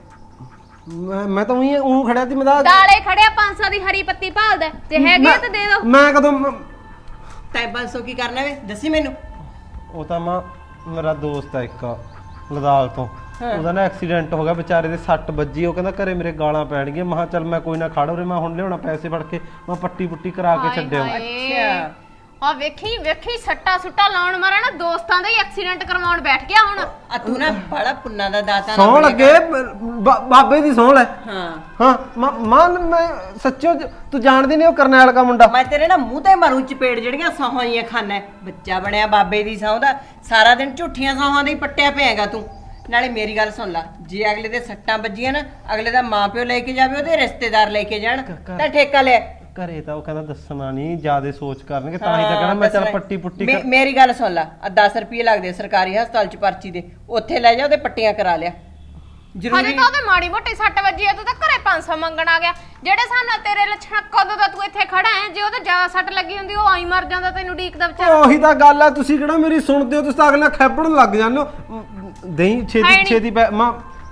Speaker 2: ਮੈਂ ਤਾਂ ਉਹ ਖੜਿਆ ਸੀ ਮੈਂ
Speaker 4: ਦਾਲੇ ਖੜਿਆ 500 ਦੀ ਹਰੀ ਪੱਤੀ ਭਾਲਦਾ ਤੇ ਹੈਗੀ ਆ ਤਾਂ ਦੇ ਦੋ
Speaker 2: ਮੈਂ ਕਦੋਂ
Speaker 9: ਤੈਂ 500 ਕੀ ਕਰਨਾ ਵੇ ਦੱਸੀ ਮੈਨੂੰ।
Speaker 2: ਉਹ ਤਾਂ ਮਾਂ ਮੇਰਾ ਦੋਸਤ ਆ ਇੱਕ ਲਦਾਲ ਤੋਂ ਉਹਦਾ ਨਾ ਐਕਸੀਡੈਂਟ ਹੋ ਗਿਆ ਵਿਚਾਰੇ ਦੇ ਸੱਟ ਵੱਜੀ ਉਹ ਕਹਿੰਦਾ ਘਰੇ ਮੇਰੇ ਗਾਲਾਂ ਪੈਣਗੀਆਂ ਮੈਂ ਕਿਹਾ ਚੱਲ ਮੈਂ ਕੋਈ ਨਾ ਖੜ ਉਰੇ ਮੈਂ ਹੁਣ ਲਿਆਉਣਾ ਪੈਸੇ ਫੜ ਕੇ ਮੈਂ ਪੱਟੀ ਪੁੱਟੀ ਕਰਾ ਕੇ ਛੱਡਿਆ
Speaker 4: ਅੱਛਾ ਆ ਵੇਖੀ ਵੇਖੀ ਸੱਟਾ ਸੁੱਟਾ ਲਾਉਣ ਮਾਰਾ ਨਾ ਦੋਸਤਾਂ ਦਾ ਹੀ ਐਕਸੀਡੈਂਟ ਕਰਵਾਉਣ ਬੈਠ ਗਿਆ ਹੁਣ
Speaker 9: ਆ ਤੂੰ ਨਾ ਬੜਾ ਪੁੰਨਾ ਦਾ ਦਾਤਾ
Speaker 2: ਸੌਂ ਲੱਗੇ ਬਾਬੇ ਦੀ ਸੌਂ ਲੈ
Speaker 9: ਹਾਂ
Speaker 2: ਹਾਂ ਮਾਂ ਮੈਂ ਸੱਚੋ ਤੂੰ ਜਾਣਦੀ ਨਹੀਂ ਉਹ ਕਰਨੈਲ ਦਾ ਮੁੰਡਾ
Speaker 9: ਮੈਂ ਤੇਰੇ ਨਾ ਮੂੰਹ ਤੇ ਮਾਰੂ ਚਪੇੜ ਜਿਹੜੀਆਂ ਸੌਹਾਂ ਹੀ ਖਾਨਾ ਬੱਚਾ ਬਣਿਆ ਬਾਬੇ ਦੀ ਸਹੁੰ ਦਾ ਸਾਰਾ ਦਿਨ ਝੂਠੀਆਂ ਸੌਹਾਂ ਦੇ ਹੀ ਪੱਟਿਆ ਪਿਆਗਾ ਤੂੰ। ਨਾਲੇ ਮੇਰੀ ਗੱਲ ਸੁਣ ਲੈ ਜੇ ਅਗਲੇ ਦੇ ਸੱਟਾਂ ਵੱਜੀਆਂ ਨਾ ਅਗਲੇ ਦਾ ਮਾਪਿਓ ਲੈ ਕੇ ਜਾਵੇ ਉਹਦੇ ਰਿਸ਼ਤੇਦਾਰ ਲੈ ਕੇ ਜਾਣ ਤਾਂ ਠੇਕਾ ਲੈ।
Speaker 2: ਘਰੇ ਤਾਂ ਉਹ ਕਹਿੰਦਾ ਦੱਸਣਾ ਨਹੀਂ ਜਿਆਦੇ ਸੋਚ ਕਰਨਗੇ ਤਾਂ ਹੀ ਤਾਂ ਕਹਿੰਦਾ ਮੈਂ ਚੱਲ ਪੱਟੀ ਪੁੱਟੀ
Speaker 9: ਮੇਰੀ ਗੱਲ ਸੁਣ ਲੈ ਆ 10 ਰੁਪਏ ਲੱਗਦੇ ਸਰਕਾਰੀ ਹਸਪਤਾਲ ਚ ਪਰਚੀ ਦੇ ਉੱਥੇ ਲੈ ਜਾ ਉਹਦੇ ਪੱਟੀਆਂ ਕਰਾ ਲਿਆ
Speaker 4: ਹਜੇ
Speaker 9: ਜ਼ਰੂਰੀ
Speaker 4: ਤਾਂ ਉਹਦੇ ਮਾੜੀ ਮੋਟੀ ਸੱਟ ਵੱਜੀ ਆ ਤੂੰ ਤਾਂ ਘਰੇ 500 ਮੰਗਣ ਆ ਗਿਆ ਜਿਹੜੇ ਸਾਹਮਣੇ ਤੇਰੇ ਲੱਛਣ ਕਦੋਂ ਦਾ ਤੂੰ ਇੱਥੇ ਖੜਾ ਹੈ ਜੇ ਉਹਦੇ ਜ਼ਿਆਦਾ ਸੱਟ ਲੱਗੀ ਹੁੰਦੀ ਉਹ ਆਈ ਮਰ ਜਾਂਦਾ ਤੈਨੂੰ ਢੀਕਦਾ ਵਿਚਾਰਾ
Speaker 2: ਉਹੀ ਤਾਂ ਗੱਲ ਆ ਤੁਸੀਂ ਕਿਹੜਾ ਮੇਰੀ ਸੁਣਦੇ ਹੋ ਤੁਸੀਂ ਤਾਂ ਅਗਲਾ ਖੈਬੜਨ ਲੱਗ ਜਾਂਦੇ ਹੋ ਦਹੀਂ ਛੇਤੀ ਛੇਤੀ ਮਾਂ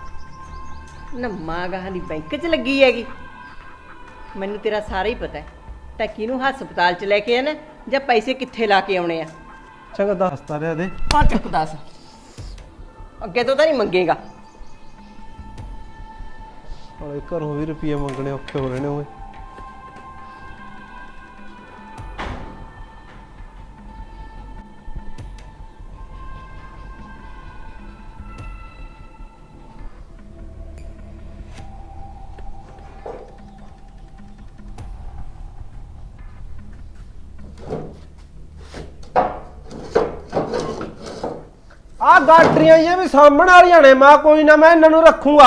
Speaker 9: ਨਾ ਮਾਂ ਗਾਹਾਂ ਦੀ ਬੈਂਕ ਚ ਲੱਗੀ ਹੈਗੀ ਮੈਨੂੰ ਤੇਰਾ ਸਾਰਾ ਹੀ ਪਤਾ ਹੈ ਤਾਂ ਕਿਹਨੂੰ ਹਸਪਤਾਲ ਚ ਲੈ ਕੇ ਆਣਾ ਜਾਂ ਪੈਸੇ ਕਿੱਥੇ ਲਾ ਕੇ ਆਉਣੇ ਆ।
Speaker 2: ਚੰਗਾ ਦੱਸਤਾ ਰਿਹਾ ਦੇ
Speaker 9: ਪਾ ਚੱਕ ਦੱਸ ਅੱਗੇ ਤੋਂ ਤਾਂ ਨਹੀਂ ਮੰਗੇਗਾ।
Speaker 2: ਹਲੇ ਘਰੋਂ ਵੀ ਰੁਪਏ ਮੰਗਣੇ ਔਖੇ ਹੋ ਰਹੇ ਨੇ ਓਏ ਆ ਗਾਟਰੀਆਂ ਇਹ ਵੀ ਸਾਹਮਣ ਵਾਲੀਆਂ ਨੇ ਮਾਂ ਕੋਈ ਨਾ ਮੈਂ ਇਹਨਾਂ ਨੂੰ ਰੱਖੂਗਾ।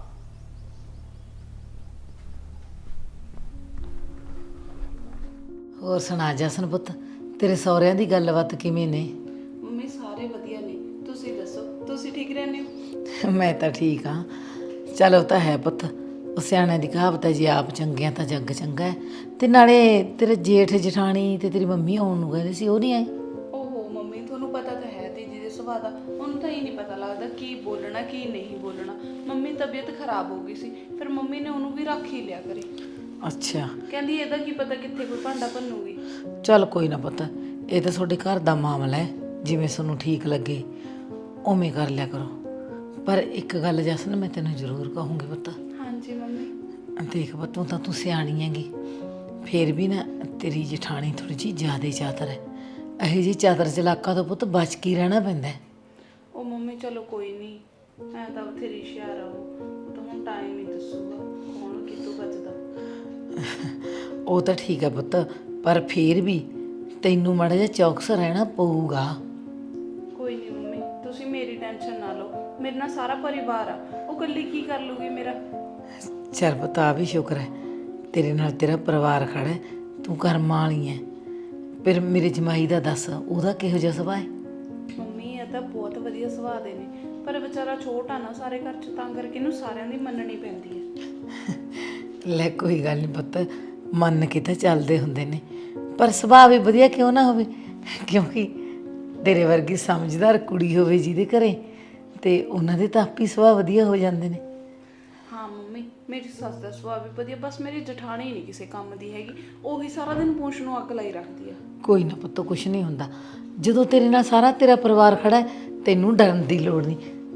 Speaker 8: ਹੋਰ ਸੁਣਾ ਜਸਨ ਪੁੱਤ ਤੇਰੇ ਸਹੁਰਿਆਂ ਦੀ ਗੱਲਬਾਤ ਕਿਵੇਂ ਨੇ?
Speaker 3: ਮੰਮੀ ਸਾਰੇ ਵਧੀਆ ਨੇ ਤੁਸੀਂ ਦੱਸੋ ਤੁਸੀਂ ਠੀਕ ਰਹਿੰਦੇ ਹੋ?
Speaker 8: ਮੈਂ ਤਾਂ ਠੀਕ ਹਾਂ। ਚਲੋ ਤਾਂ ਹੈ ਪੁੱਤ ਉਹ ਸਿਆਣਿਆਂ ਦੀ ਕਹਾਵਤ ਹੈ ਜੀ ਆਪ ਚੰਗਿਆਂ ਤਾਂ ਜੱਗ ਚੰਗਾ ਹੈ। ਤੇ ਨਾਲੇ ਤੇਰੇ ਜੇਠ ਜਠਾਣੀ ਤੇ ਤੇਰੀ ਮੰਮੀ ਆਉਣ ਨੂੰ ਕਹਿੰਦੇ ਸੀ ਉਹ ਨਹੀਂ ਆਏ?
Speaker 3: ਓਹੋ ਮੰਮੀ ਤੁਹਾਨੂੰ ਪਤਾ ਤਾਂ ਹੈ ਦੀਦੀ ਦੇ ਸੁਭਾਅ ਦਾ ਉਹਨੂੰ ਤਾਂ ਹੀ ਨਹੀਂ ਪਤਾ ਲੱਗਦਾ ਕੀ ਬੋਲਣਾ ਕੀ ਨਹੀਂ ਬੋਲਣਾ। ਮੰਮੀ ਦੀ ਤਬੀਅਤ ਖਰਾਬ ਹੋ ਗਈ ਸੀ ਫਿਰ ਮੰਮੀ ਨੇ ਉਹਨੂੰ ਵੀ ਰੱਖ ਹੀ ਲਿਆ ਕਰੇ।
Speaker 8: ਅੱਛਾ
Speaker 3: ਕਹਿੰਦੀ ਇਹਦਾ ਕੀ ਪਤਾ ਕਿੱਥੇ ਕੋਈ ਭਾਂਡਾ ਭੰਨੂਗੀ।
Speaker 8: ਚੱਲ ਕੋਈ ਨਾ ਪੁੱਤ ਇਹ ਤਾਂ ਤੁਹਾਡੇ ਘਰ ਦਾ ਮਾਮਲਾ ਹੈ ਜਿਵੇਂ ਤੁਹਾਨੂੰ ਠੀਕ ਲੱਗੇ ਉਵੇਂ ਕਰ ਲਿਆ ਕਰੋ। ਪਰ ਇੱਕ ਗੱਲ ਜਸਨ ਮੈਂ ਤੈਨੂੰ ਜ਼ਰੂਰ ਕਹੂੰਗੀ ਪੁੱਤ।
Speaker 3: ਹਾਂਜੀ ਮੰਮੀ।
Speaker 8: ਦੇਖ ਪੁੱਤ ਤੂੰ ਸਿਆਣੀ ਹੈਗੀ ਫੇਰ ਵੀ ਨਾ ਤੇਰੀ ਜਠਾਣੀ ਥੋੜੀ ਜਿਹੀ ਜ਼ਿਆਦਾ ਚਾਤਰ ਹੈ। ਇਹੋ ਜਿਹੀ ਚਾਤਰ ਚਲਾਕਾਂ ਤੋਂ ਪੁੱਤ ਬਚ ਕੇ ਰਹਿਣਾ ਪੈਂਦਾ ਹੈ।
Speaker 3: ਉਹ ਮੰਮੀ ਚਲੋ ਕੋਈ ਨਹੀਂ ਮੈਂ ਤਾਂ ਬਥੇਰੀ ਹੁਸ਼ਿਆਰ ਆ ਉਹ ਤਾਂ ਹੁਣ ਟਾਈਮ ਹੀ ਦੱਸੂਗਾ ਕੌਣ ਕਿਤੋਂ ਬਚਦਾ।
Speaker 8: ਉਹ ਤਾਂ ਠੀਕ ਹੈ ਪੁੱਤ ਪਰ ਫੇਰ ਵੀ ਤੈਨੂੰ ਮਾੜਾ ਜਿਹਾ ਚੌਕਸ ਰਹਿਣਾ ਪਊਗਾ।
Speaker 3: ਕੋਈ ਨਹੀਂ ਮੰਮੀ ਤੁਸੀਂ ਮੇਰੀ ਟੈਨਸ਼ਨ ਨਾ ਲਓ ਮੇਰੇ ਨਾਲ ਸਾਰਾ ਪਰਿਵਾਰ ਆ ਉਹ ਇਕੱਲੀ ਕੀ ਕਰ ਲੂਗੀ ਮੇਰਾ।
Speaker 8: ਚੱਲ ਪੁੱਤ ਆ ਵੀ ਸ਼ੁਕਰ ਹੈ ਤੇਰੇ ਨਾਲ ਤੇਰਾ ਪਰਿਵਾਰ ਖੜਾ ਹੈ ਤੂੰ ਕਰਮਾਂ ਵਾਲੀ ਹੈ। ਫਿਰ ਮੇਰੇ ਜਮਾਈ ਦਾ ਦੱਸ ਉਹਦਾ ਕਿਹੋ ਜਿਹਾ ਸੁਭਾਅ ਹੈ?
Speaker 3: ਮੰਮੀ ਇਹ ਤਾਂ ਬਹੁਤ ਵਧੀਆ ਸੁਭਾਅ ਦੇ ਨੇ ਪਰ ਵਿਚਾਰਾ ਛੋਟਾ ਨਾ ਸਾਰੇ ਘਰ ਚ ਤਾਂ ਕਰਕੇ ਇਹਨੂੰ ਸਾਰਿਆਂ ਦੀ ਮੰਨਣੀ ਪੈਂਦੀ ਹੈ।
Speaker 8: ਲੈ ਕੋਈ ਗੱਲ ਨਹੀਂ ਪੁੱਤ ਮੰਨ ਕੇ ਤਾਂ ਚੱਲਦੇ ਹੁੰਦੇ ਨੇ ਪਰ ਸੁਭਾਅ ਵੀ ਵਧੀਆ ਕਿਉਂ ਨਾ ਹੋਵੇ ਕਿਉਂਕਿ ਤੇਰੇ ਵਰਗੀ ਸਮਝਦਾਰ ਕੁੜੀ ਹੋਵੇ ਜਿਹਦੇ ਘਰੇ ਤੇ ਉਹਨਾਂ ਦੇ ਤਾਂ ਆਪੀ ਸੁਭਾਅ ਵਧੀਆ ਹੋ ਜਾਂਦੇ ਨੇ।
Speaker 3: ਹਾਂ ਮੰਮੀ ਮੇਰੀ ਸੱਸ ਦਾ ਸੁਭਾਅ ਵੀ ਵਧੀਆ ਬਸ ਮੇਰੀ ਜਠਾਣੀ ਨਹੀਂ ਕਿਸੇ ਕੰਮ ਦੀ ਹੈਗੀ ਉਹੀ ਸਾਰਾ ਦਿਨ ਪੂੰਛ ਨੂੰ ਅੱਗ ਲਾਈ ਰੱਖਦੀ ਆ।
Speaker 8: ਕੋਈ ਨਾ ਪੁੱਤ ਕੁਛ ਨਹੀਂ ਹੁੰਦਾ ਜਦੋਂ ਤੇਰੇ ਨਾਲ ਸਾਰਾ ਤੇਰਾ ਪਰਿਵਾਰ ਖੜਾ ਹੈ ਤੈਨੂੰ ਡਰਨ ਦੀ ਲੋੜ ਨਹੀਂ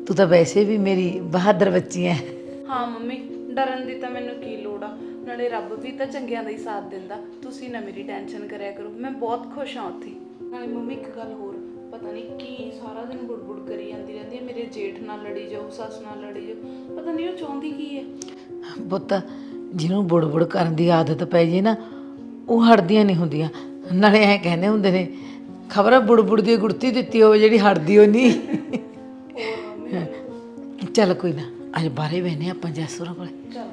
Speaker 8: ਤੂੰ ਤਾਂ ਵੈਸੇ ਵੀ ਮੇਰੀ ਬਹਾਦਰ ਬੱਚੀ ਐ।
Speaker 3: ਹਾਂ ਮੰਮੀ, ਡਰਨ ਦੀ ਤਾਂ ਮੈਨੂੰ ਕੀ ਲੋੜ ਆ, ਨਾਲੇ ਰੱਬ ਵੀ ਤਾਂ ਚੰਗਿਆਂ ਦਾ ਹੀ ਸਾਥ ਦਿੰਦਾ। ਤੁਸੀਂ ਨਾ ਮੇਰੀ ਟੈਨਸ਼ਨ ਕਰਿਆ ਕਰੋ, ਮੈਂ ਬਹੁਤ ਖੁਸ਼ ਹਾਂ ਉੱਥੇ। ਨਾਲੇ ਮੰਮੀ ਇੱਕ ਗੱਲ ਹੋਰ, ਪਤਾ ਨਹੀਂ ਕੀ ਸਾਰਾ ਦਿਨ ਬੁੜਬੁੜ ਕਰੀ ਜਾਂਦੀ ਰਹਿੰਦੀ ਹੈ, ਮੇਰੇ ਜੇਠ ਨਾਲ ਲੜੀ ਜਾਓ, ਸੱਸ ਨਾਲ ਲੜੀ ਜਾਓ, ਪਤਾ ਨਹੀਂ ਉਹ ਚਾਹੁੰਦੀ ਕੀ ਹੈ।
Speaker 8: ਪੁੱਤ ਜਿਹਨੂੰ ਬੁੜਬੁੜ ਕਰਨ ਦੀ ਆਦਤ ਪੈ ਜੇ ਨਾ, ਉਹ ਹਟਦੀਆਂ ਨਹੀਂ ਹੁੰਦੀਆਂ। ਨਾਲੇ ਐ ਕਹਿੰਦੇ ਹੁੰਦੇ ਨੇ, ਖਬਰ ਬੁੜਬੁੜ ਦੀ ਗੁੜਤੀ ਦਿੱਤੀ ਹੋਵੇ ਜਿਹੜੀ ਹਟਦੀ ਹੋ ਨਹੀਂ। ਚੱਲ ਕੋਈ ਨਾ, ਅੱਜ ਬਾਹਰੇ ਬਹਿਨੇ ਆਪਾਂ ਜੈਸੂਰਾਂ ਕੋਲੇ।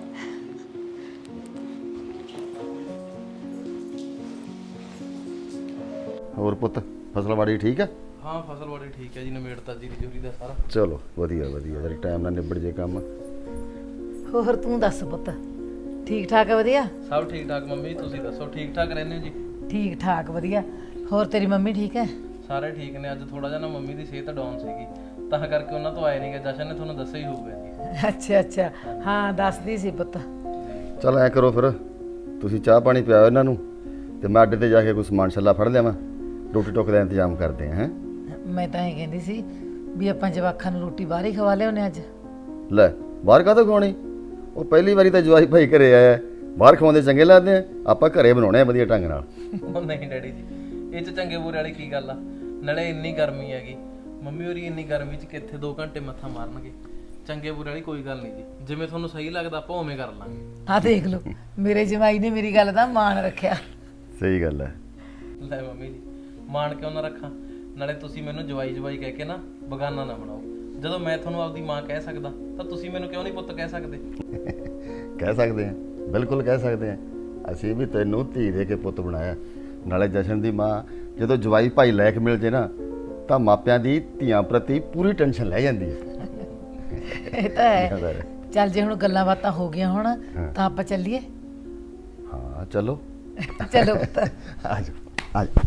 Speaker 7: ਹੋਰ ਪੁੱਤ ਫਸਲਵਾੜੀ ਠੀਕ ਹੈ?
Speaker 2: ਹਾਂ ਫਸਲਵਾੜੀ ਠੀਕ ਹੈ ਜੀ, ਨਵੇੜਤਾ ਜੀਰੀ ਜੂਰੀ ਦਾ ਸਾਰਾ।
Speaker 7: ਚਲੋ ਵਧੀਆ ਵਧੀਆ, ਜਰੀ ਟਾਈਮ ਨਾਲ ਨਿਬੜ ਜੇ ਕੰਮ।
Speaker 8: ਹੋਰ ਤੂੰ ਦੱਸ ਪੁੱਤ, ਠੀਕ ਠਾਕ ਹੈ? ਵਧੀਆ
Speaker 2: ਸਭ ਠੀਕ ਠਾਕ ਮੰਮੀ, ਤੁਸੀਂ ਦੱਸੋ ਠੀਕ ਠਾਕ ਰਹਿੰਦੇ ਹੋ ਜੀ?
Speaker 8: ਠੀਕ ਠਾਕ ਵਧੀਆ। ਹੋਰ ਤੇਰੀ ਮੰਮੀ ਠੀਕ ਹੈ?
Speaker 2: ਸਾਰੇ ਠੀਕ ਨੇ। ਅੱਜ ਥੋੜਾ ਜਿਹਾ ਨਾ ਮੰਮੀ ਦੀ ਸਿਹਤ ਡਾਊਨ ਸੀਗੀ, ਤਾਂ ਕਰਕੇ ਉਹਨਾਂ ਤੋਂ ਆਏ ਨਹੀਂਗੇ। ਜਸ਼ਨ ਨੇ ਤੁਹਾਨੂੰ ਦੱਸਿਆ ਹੀ ਹੋਊਗਾ ਜੀ।
Speaker 8: ਅੱਛਾ ਅੱਛਾ, ਹਾਂ ਦੱਸਦੀ ਸੀ ਪੁੱਤ।
Speaker 7: ਚਲ ਐ ਕਰੋ ਫਿਰ, ਤੁਸੀਂ ਚਾਹ ਪਾਣੀ ਪਿਆਓ ਇਹਨਾਂ ਨੂੰ, ਤੇ ਮੈਂ ਅੱਡੇ ਤੇ ਜਾ ਕੇ ਕੋਈ ਸਮਾਨ ਛੱਲਾ ਫੜ ਲਿਆਵਾਂ, ਰੋਟੀ ਟੁੱਕ ਦਾ ਇੰਤਜ਼ਾਮ ਕਰਦੇ ਹਾਂ।
Speaker 8: ਮੈਂ ਤਾਂ ਇਹ ਕਹਿੰਦੀ ਸੀ ਵੀ ਆਪਾਂ ਜਵਾਕਾਂ ਨੂੰ ਰੋਟੀ ਬਾਹਰ ਹੀ ਖਵਾ ਲਿਆਉਣੇ ਅੱਜ।
Speaker 7: ਲੈ ਬਾਹਰ ਕਾਹਤੋਂ ਖਵਾਉਣੀ? ਉਹ ਪਹਿਲੀ ਵਾਰੀ ਤਾਂ ਜਵਾਈ ਭਾਈ ਘਰੇ ਆਇਆ, ਬਾਹਰ ਖਵਾਉਂਦੇ ਚੰਗੇ ਲੱਗਦੇ ਆ, ਆਪਾਂ ਘਰੇ ਬਣਾਉਣੇ ਆ ਵਧੀਆ ਢੰਗ ਨਾਲ।
Speaker 2: ਉਹ ਨਹੀਂ ਡੈਡੀ ਜੀ, ਇਹ 'ਚ ਚੰਗੇ ਬੁਰੇ ਵਾਲੀ ਕੀ ਗੱਲ ਆ? ਨਾਲੇ ਇੰਨੀ ਗਰਮੀ ਹੈਗੀ, ਮੰਮੀ ਹੋਰੀ ਇੰਨੀ ਗਰਮੀ 'ਚ ਕਿੱਥੇ 2 ਘੰਟੇ ਮੱਥਾ ਮਾਰਨਗੇ। ਚੰਗੇ ਬੁਰੇ ਵਾਲੀ ਕੋਈ ਗੱਲ ਨਹੀਂ ਜੀ, ਜਿਵੇਂ ਤੁਹਾਨੂੰ ਸਹੀ ਲੱਗਦਾ ਆਪਾਂ ਉਵੇਂ ਕਰ ਲਾਂਗੇ।
Speaker 8: ਆਹ ਦੇਖ ਲਓ, ਮੇਰੇ ਜਵਾਈ ਨੇ ਮੇਰੀ ਗੱਲ ਦਾ ਮਾਣ ਰੱਖਿਆ।
Speaker 7: ਸਹੀ ਗੱਲ ਹੈ।
Speaker 2: ਲੈ ਮੰਮੀ ਜੀ, ਮਾਣ ਕਿਉਂ ਨਾ ਰੱਖਾਂ? ਨਾਲੇ ਤੁਸੀਂ ਮੈਨੂੰ ਜਵਾਈ ਜਵਾਈ ਕਹਿ ਕੇ ਨਾ ਬਗਾਨਾ ਨਾ ਬਣਾਓ। ਜਦੋਂ ਮੈਂ ਤੁਹਾਨੂੰ ਆਪਦੀ ਮਾਂ ਕਹਿ ਸਕਦਾ, ਤਾਂ ਤੁਸੀਂ ਮੈਨੂੰ ਕਿਉਂ ਨਹੀਂ ਪੁੱਤ ਕਹਿ ਸਕਦੇ?
Speaker 7: ਕਹਿ ਸਕਦੇ ਆ, ਬਿਲਕੁਲ ਕਹਿ ਸਕਦੇ ਆ। ਅਸੀਂ ਵੀ ਤੈਨੂੰ ਧੀ ਦੇ ਕੇ ਪੁੱਤ ਬਣਾਇਆ। ਨਾਲੇ ਜਸ਼ਨ ਦੀ ਮਾਂ ਜਦੋਂ ਜਵਾਈ ਭਾਈ ਲੈ ਕੇ ਮਿਲ ਜੇ ਨਾ, ਤਾਂ ਮਾਪਿਆਂ ਦੀ ਧੀਆਂ ਪ੍ਰਤੀ ਪੂਰੀ ਟੈਨਸ਼ਨ ਲੈ ਜਾਂਦੀ ਹੈ।
Speaker 8: ਇਹ ਤਾਂ ਹੈ। ਚੱਲ ਜੇ ਹੁਣ ਗੱਲਾਂ ਬਾਤਾਂ ਹੋ ਗਈਆਂ ਹੁਣ, ਤਾਂ ਆਪਾਂ ਚੱਲੀਏ।
Speaker 7: ਹਾਂ ਚਲੋ
Speaker 8: ਚਲੋ ਪੁੱਤ।
Speaker 7: ਆ ਜਾਓ ਆ ਜਾਓ।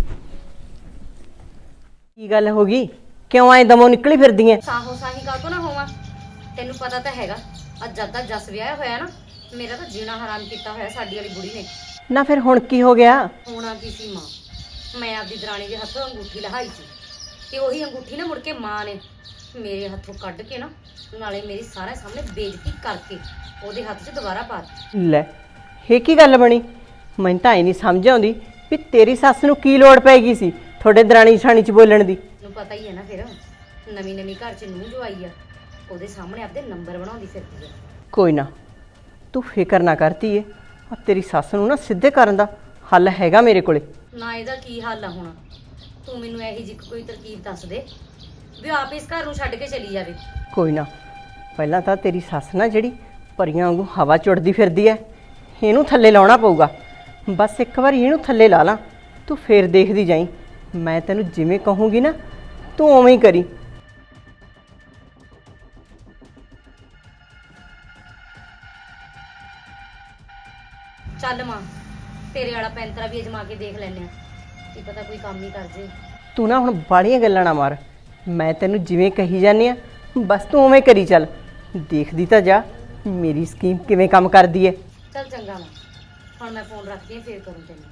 Speaker 9: ਕੀ ਗੱਲ ਹੋ ਗਈ? ਕਿਉਂ ਐ ਦਮੋਂ ਨਿਕਲੀ ਫਿਰਦੀ ਐ?
Speaker 5: ਸਾਹੋ ਸਾਹੀ ਕਾਹਤੋਂ ਨਾ ਹੋਵਾਂ, ਤੈਨੂੰ ਪਤਾ ਤਾਂ ਹੈਗਾ ਅੱਜ ਜਦ ਦਾ ਜਸ ਵਿਆਹ ਹੋਇਆ ਨਾ, ਮੇਰਾ ਤਾਂ ਜੀਣਾ ਹਰਾਮ ਕੀਤਾ ਹੋਇਆ ਸਾਡੀ ਵਾਲੀ ਬੁੜੀ ਨੇ।
Speaker 9: ਨਾ ਫਿਰ ਹੁਣ ਕੀ ਹੋ ਗਿਆ?
Speaker 5: ਹੋਣਾ ਕੀ ਸੀ ਮਾਂ, ਮੈਂ ਆਪਦੀ ਦਰਾਣੀ ਦੇ ਹੱਥੋਂ ਅੰਗੂਠੀ ਲਹਾਈ ਸੀ, ਤੇ ਉਹੀ ਅੰਗੂਠੀ ਨਾ ਮੁੜ ਕੇ ਮਾਂ ਨੇ ਮੇਰੇ ਹੱਥੋਂ ਕੱਢ ਕੇ ਨਾ, ਨਾਲੇ ਮੇਰੀ ਸਾਰਿਆਂ ਸਾਹਮਣੇ ਬੇਇੱਜ਼ਤੀ ਕਰਕੇ ਉਹਦੇ ਹੱਥ 'ਚ ਦੁਬਾਰਾ ਪਾ ਦਿੱਤੀ।
Speaker 9: ਲੈ ਇਹ ਕੀ ਗੱਲ ਬਣੀ? ਮੈਨੂੰ ਤਾਂ ਇਹ ਨਹੀਂ ਸਮਝ ਆਉਂਦੀ ਵੀ ਤੇਰੀ ਸੱਸ ਨੂੰ ਕੀ ਲੋੜ ਪੈ ਗਈ ਸੀ ਤੁਹਾਡੇ ਦਰਾਣੀ ਜਠਾਣੀ 'ਚ ਬੋਲਣ ਦੀ।
Speaker 5: ਤੈਨੂੰ ਪਤਾ ਹੀ ਹੈ ਨਾ, ਫਿਰ ਨਵੀਂ ਘਰ 'ਚ ਨੂੰਹ ਜਵਾਈ ਆ, ਉਹਦੇ ਸਾਹਮਣੇ ਆਪਦੇ ਨੰਬਰ ਬਣਾਉਂਦੀ ਫਿਰਦੀ ਆ।
Speaker 9: ਕੋਈ ਨਾ, ਤੂੰ ਫਿਕਰ ਨਾ ਕਰਤੀ ਏ, ਆ ਤੇਰੀ ਸੱਸ ਨੂੰ ਨਾ ਸਿੱਧੇ ਕਰਨ ਦਾ ਹੱਲ ਹੈਗਾ ਮੇਰੇ ਕੋਲੇ।
Speaker 5: ਨਾ ਇਹਦਾ ਕੀ ਹੱਲ ਆ ਹੁਣ? ਤੂੰ ਮੈਨੂੰ ਇਹੀ ਜਿਹੀ ਕੋਈ ਤਰਕੀਬ ਦੱਸ ਦੇ ਵੀ ਆਪ ਇਸ ਘਰ ਨੂੰ ਛੱਡ ਕੇ ਚਲੀ ਜਾਵੇ।
Speaker 9: ਕੋਈ ਨਾ, ਪਹਿਲਾਂ ਤਾਂ ਤੇਰੀ ਸੱਸ ਨਾ ਜਿਹੜੀ ਪਰੀਆਂ ਵਾਂਗੂ ਹਵਾ ਚੁੜਦੀ ਫਿਰਦੀ ਐ, ਇਹਨੂੰ ਥੱਲੇ ਲਾਉਣਾ ਪਊਗਾ। ਬਸ ਇੱਕ ਵਾਰੀ ਇਹਨੂੰ ਥੱਲੇ ਲਾ ਲਾਂ, ਤੂੰ ਫੇਰ ਦੇਖਦੀ ਜਾਈਂ। ਮੈਂ ਤੈਨੂੰ ਜਿਵੇਂ ਕਹੂੰਗੀ ਨਾ, ਤੂੰ ਉਵੇਂ ਹੀ ਕਰੀ।
Speaker 5: ਚੱਲ ਮਾਂ, ਤੇਰੇ ਵਾਲਾ ਪੈਂਤਰਾ ਵੀ ਅਜਮਾ ਕੇ ਦੇਖ ਲੈਨੇ ਆ, ਕੀ ਪਤਾ ਕੋਈ ਕੰਮ ਹੀ ਕਰ ਜੇ।
Speaker 9: ਤੂੰ ਨਾ ਹੁਣ ਬਾਹਲੀਆਂ ਗੱਲਾਂ ਨਾ ਮਾਰ, ਮੈਂ ਤੈਨੂੰ ਜਿਵੇਂ ਕਹੀ ਜਾਂਦੀ ਆ ਬਸ ਤੂੰ ਉਵੇਂ ਕਰੀ ਚੱਲ। ਦੇਖਦੀ ਤਾਂ ਜਾ ਮੇਰੀ ਸਕੀਮ ਕਿਵੇਂ ਕੰਮ ਕਰਦੀ ਐ।
Speaker 5: ਚੱਲ ਚੰਗਾ ਮਾਂ, ਹੁਣ ਮੈਂ ਫੋਨ ਰੱਖਦੀ ਆ, ਫੇਰ ਕਰੂੰ ਤੈਨੂੰ।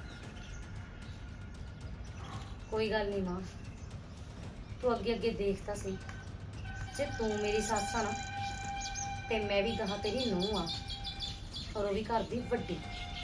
Speaker 5: ਕੋਈ ਗੱਲ ਨਹੀਂ ਮਾਂ, ਤੂੰ ਅੱਗੇ ਦੇਖ ਤਾਂ ਸਹੀ, ਜੇ ਤੂੰ ਮੇਰੀ ਸੱਸ ਆ ਨਾ, ਤੇ ਮੈਂ ਵੀ ਗਾਹਾਂ ਤੇਰੀ ਨੂੰਹ ਆ, ਔਰ ਉਹ ਵੀ ਘਰ ਦੀ ਵੱਡੀ।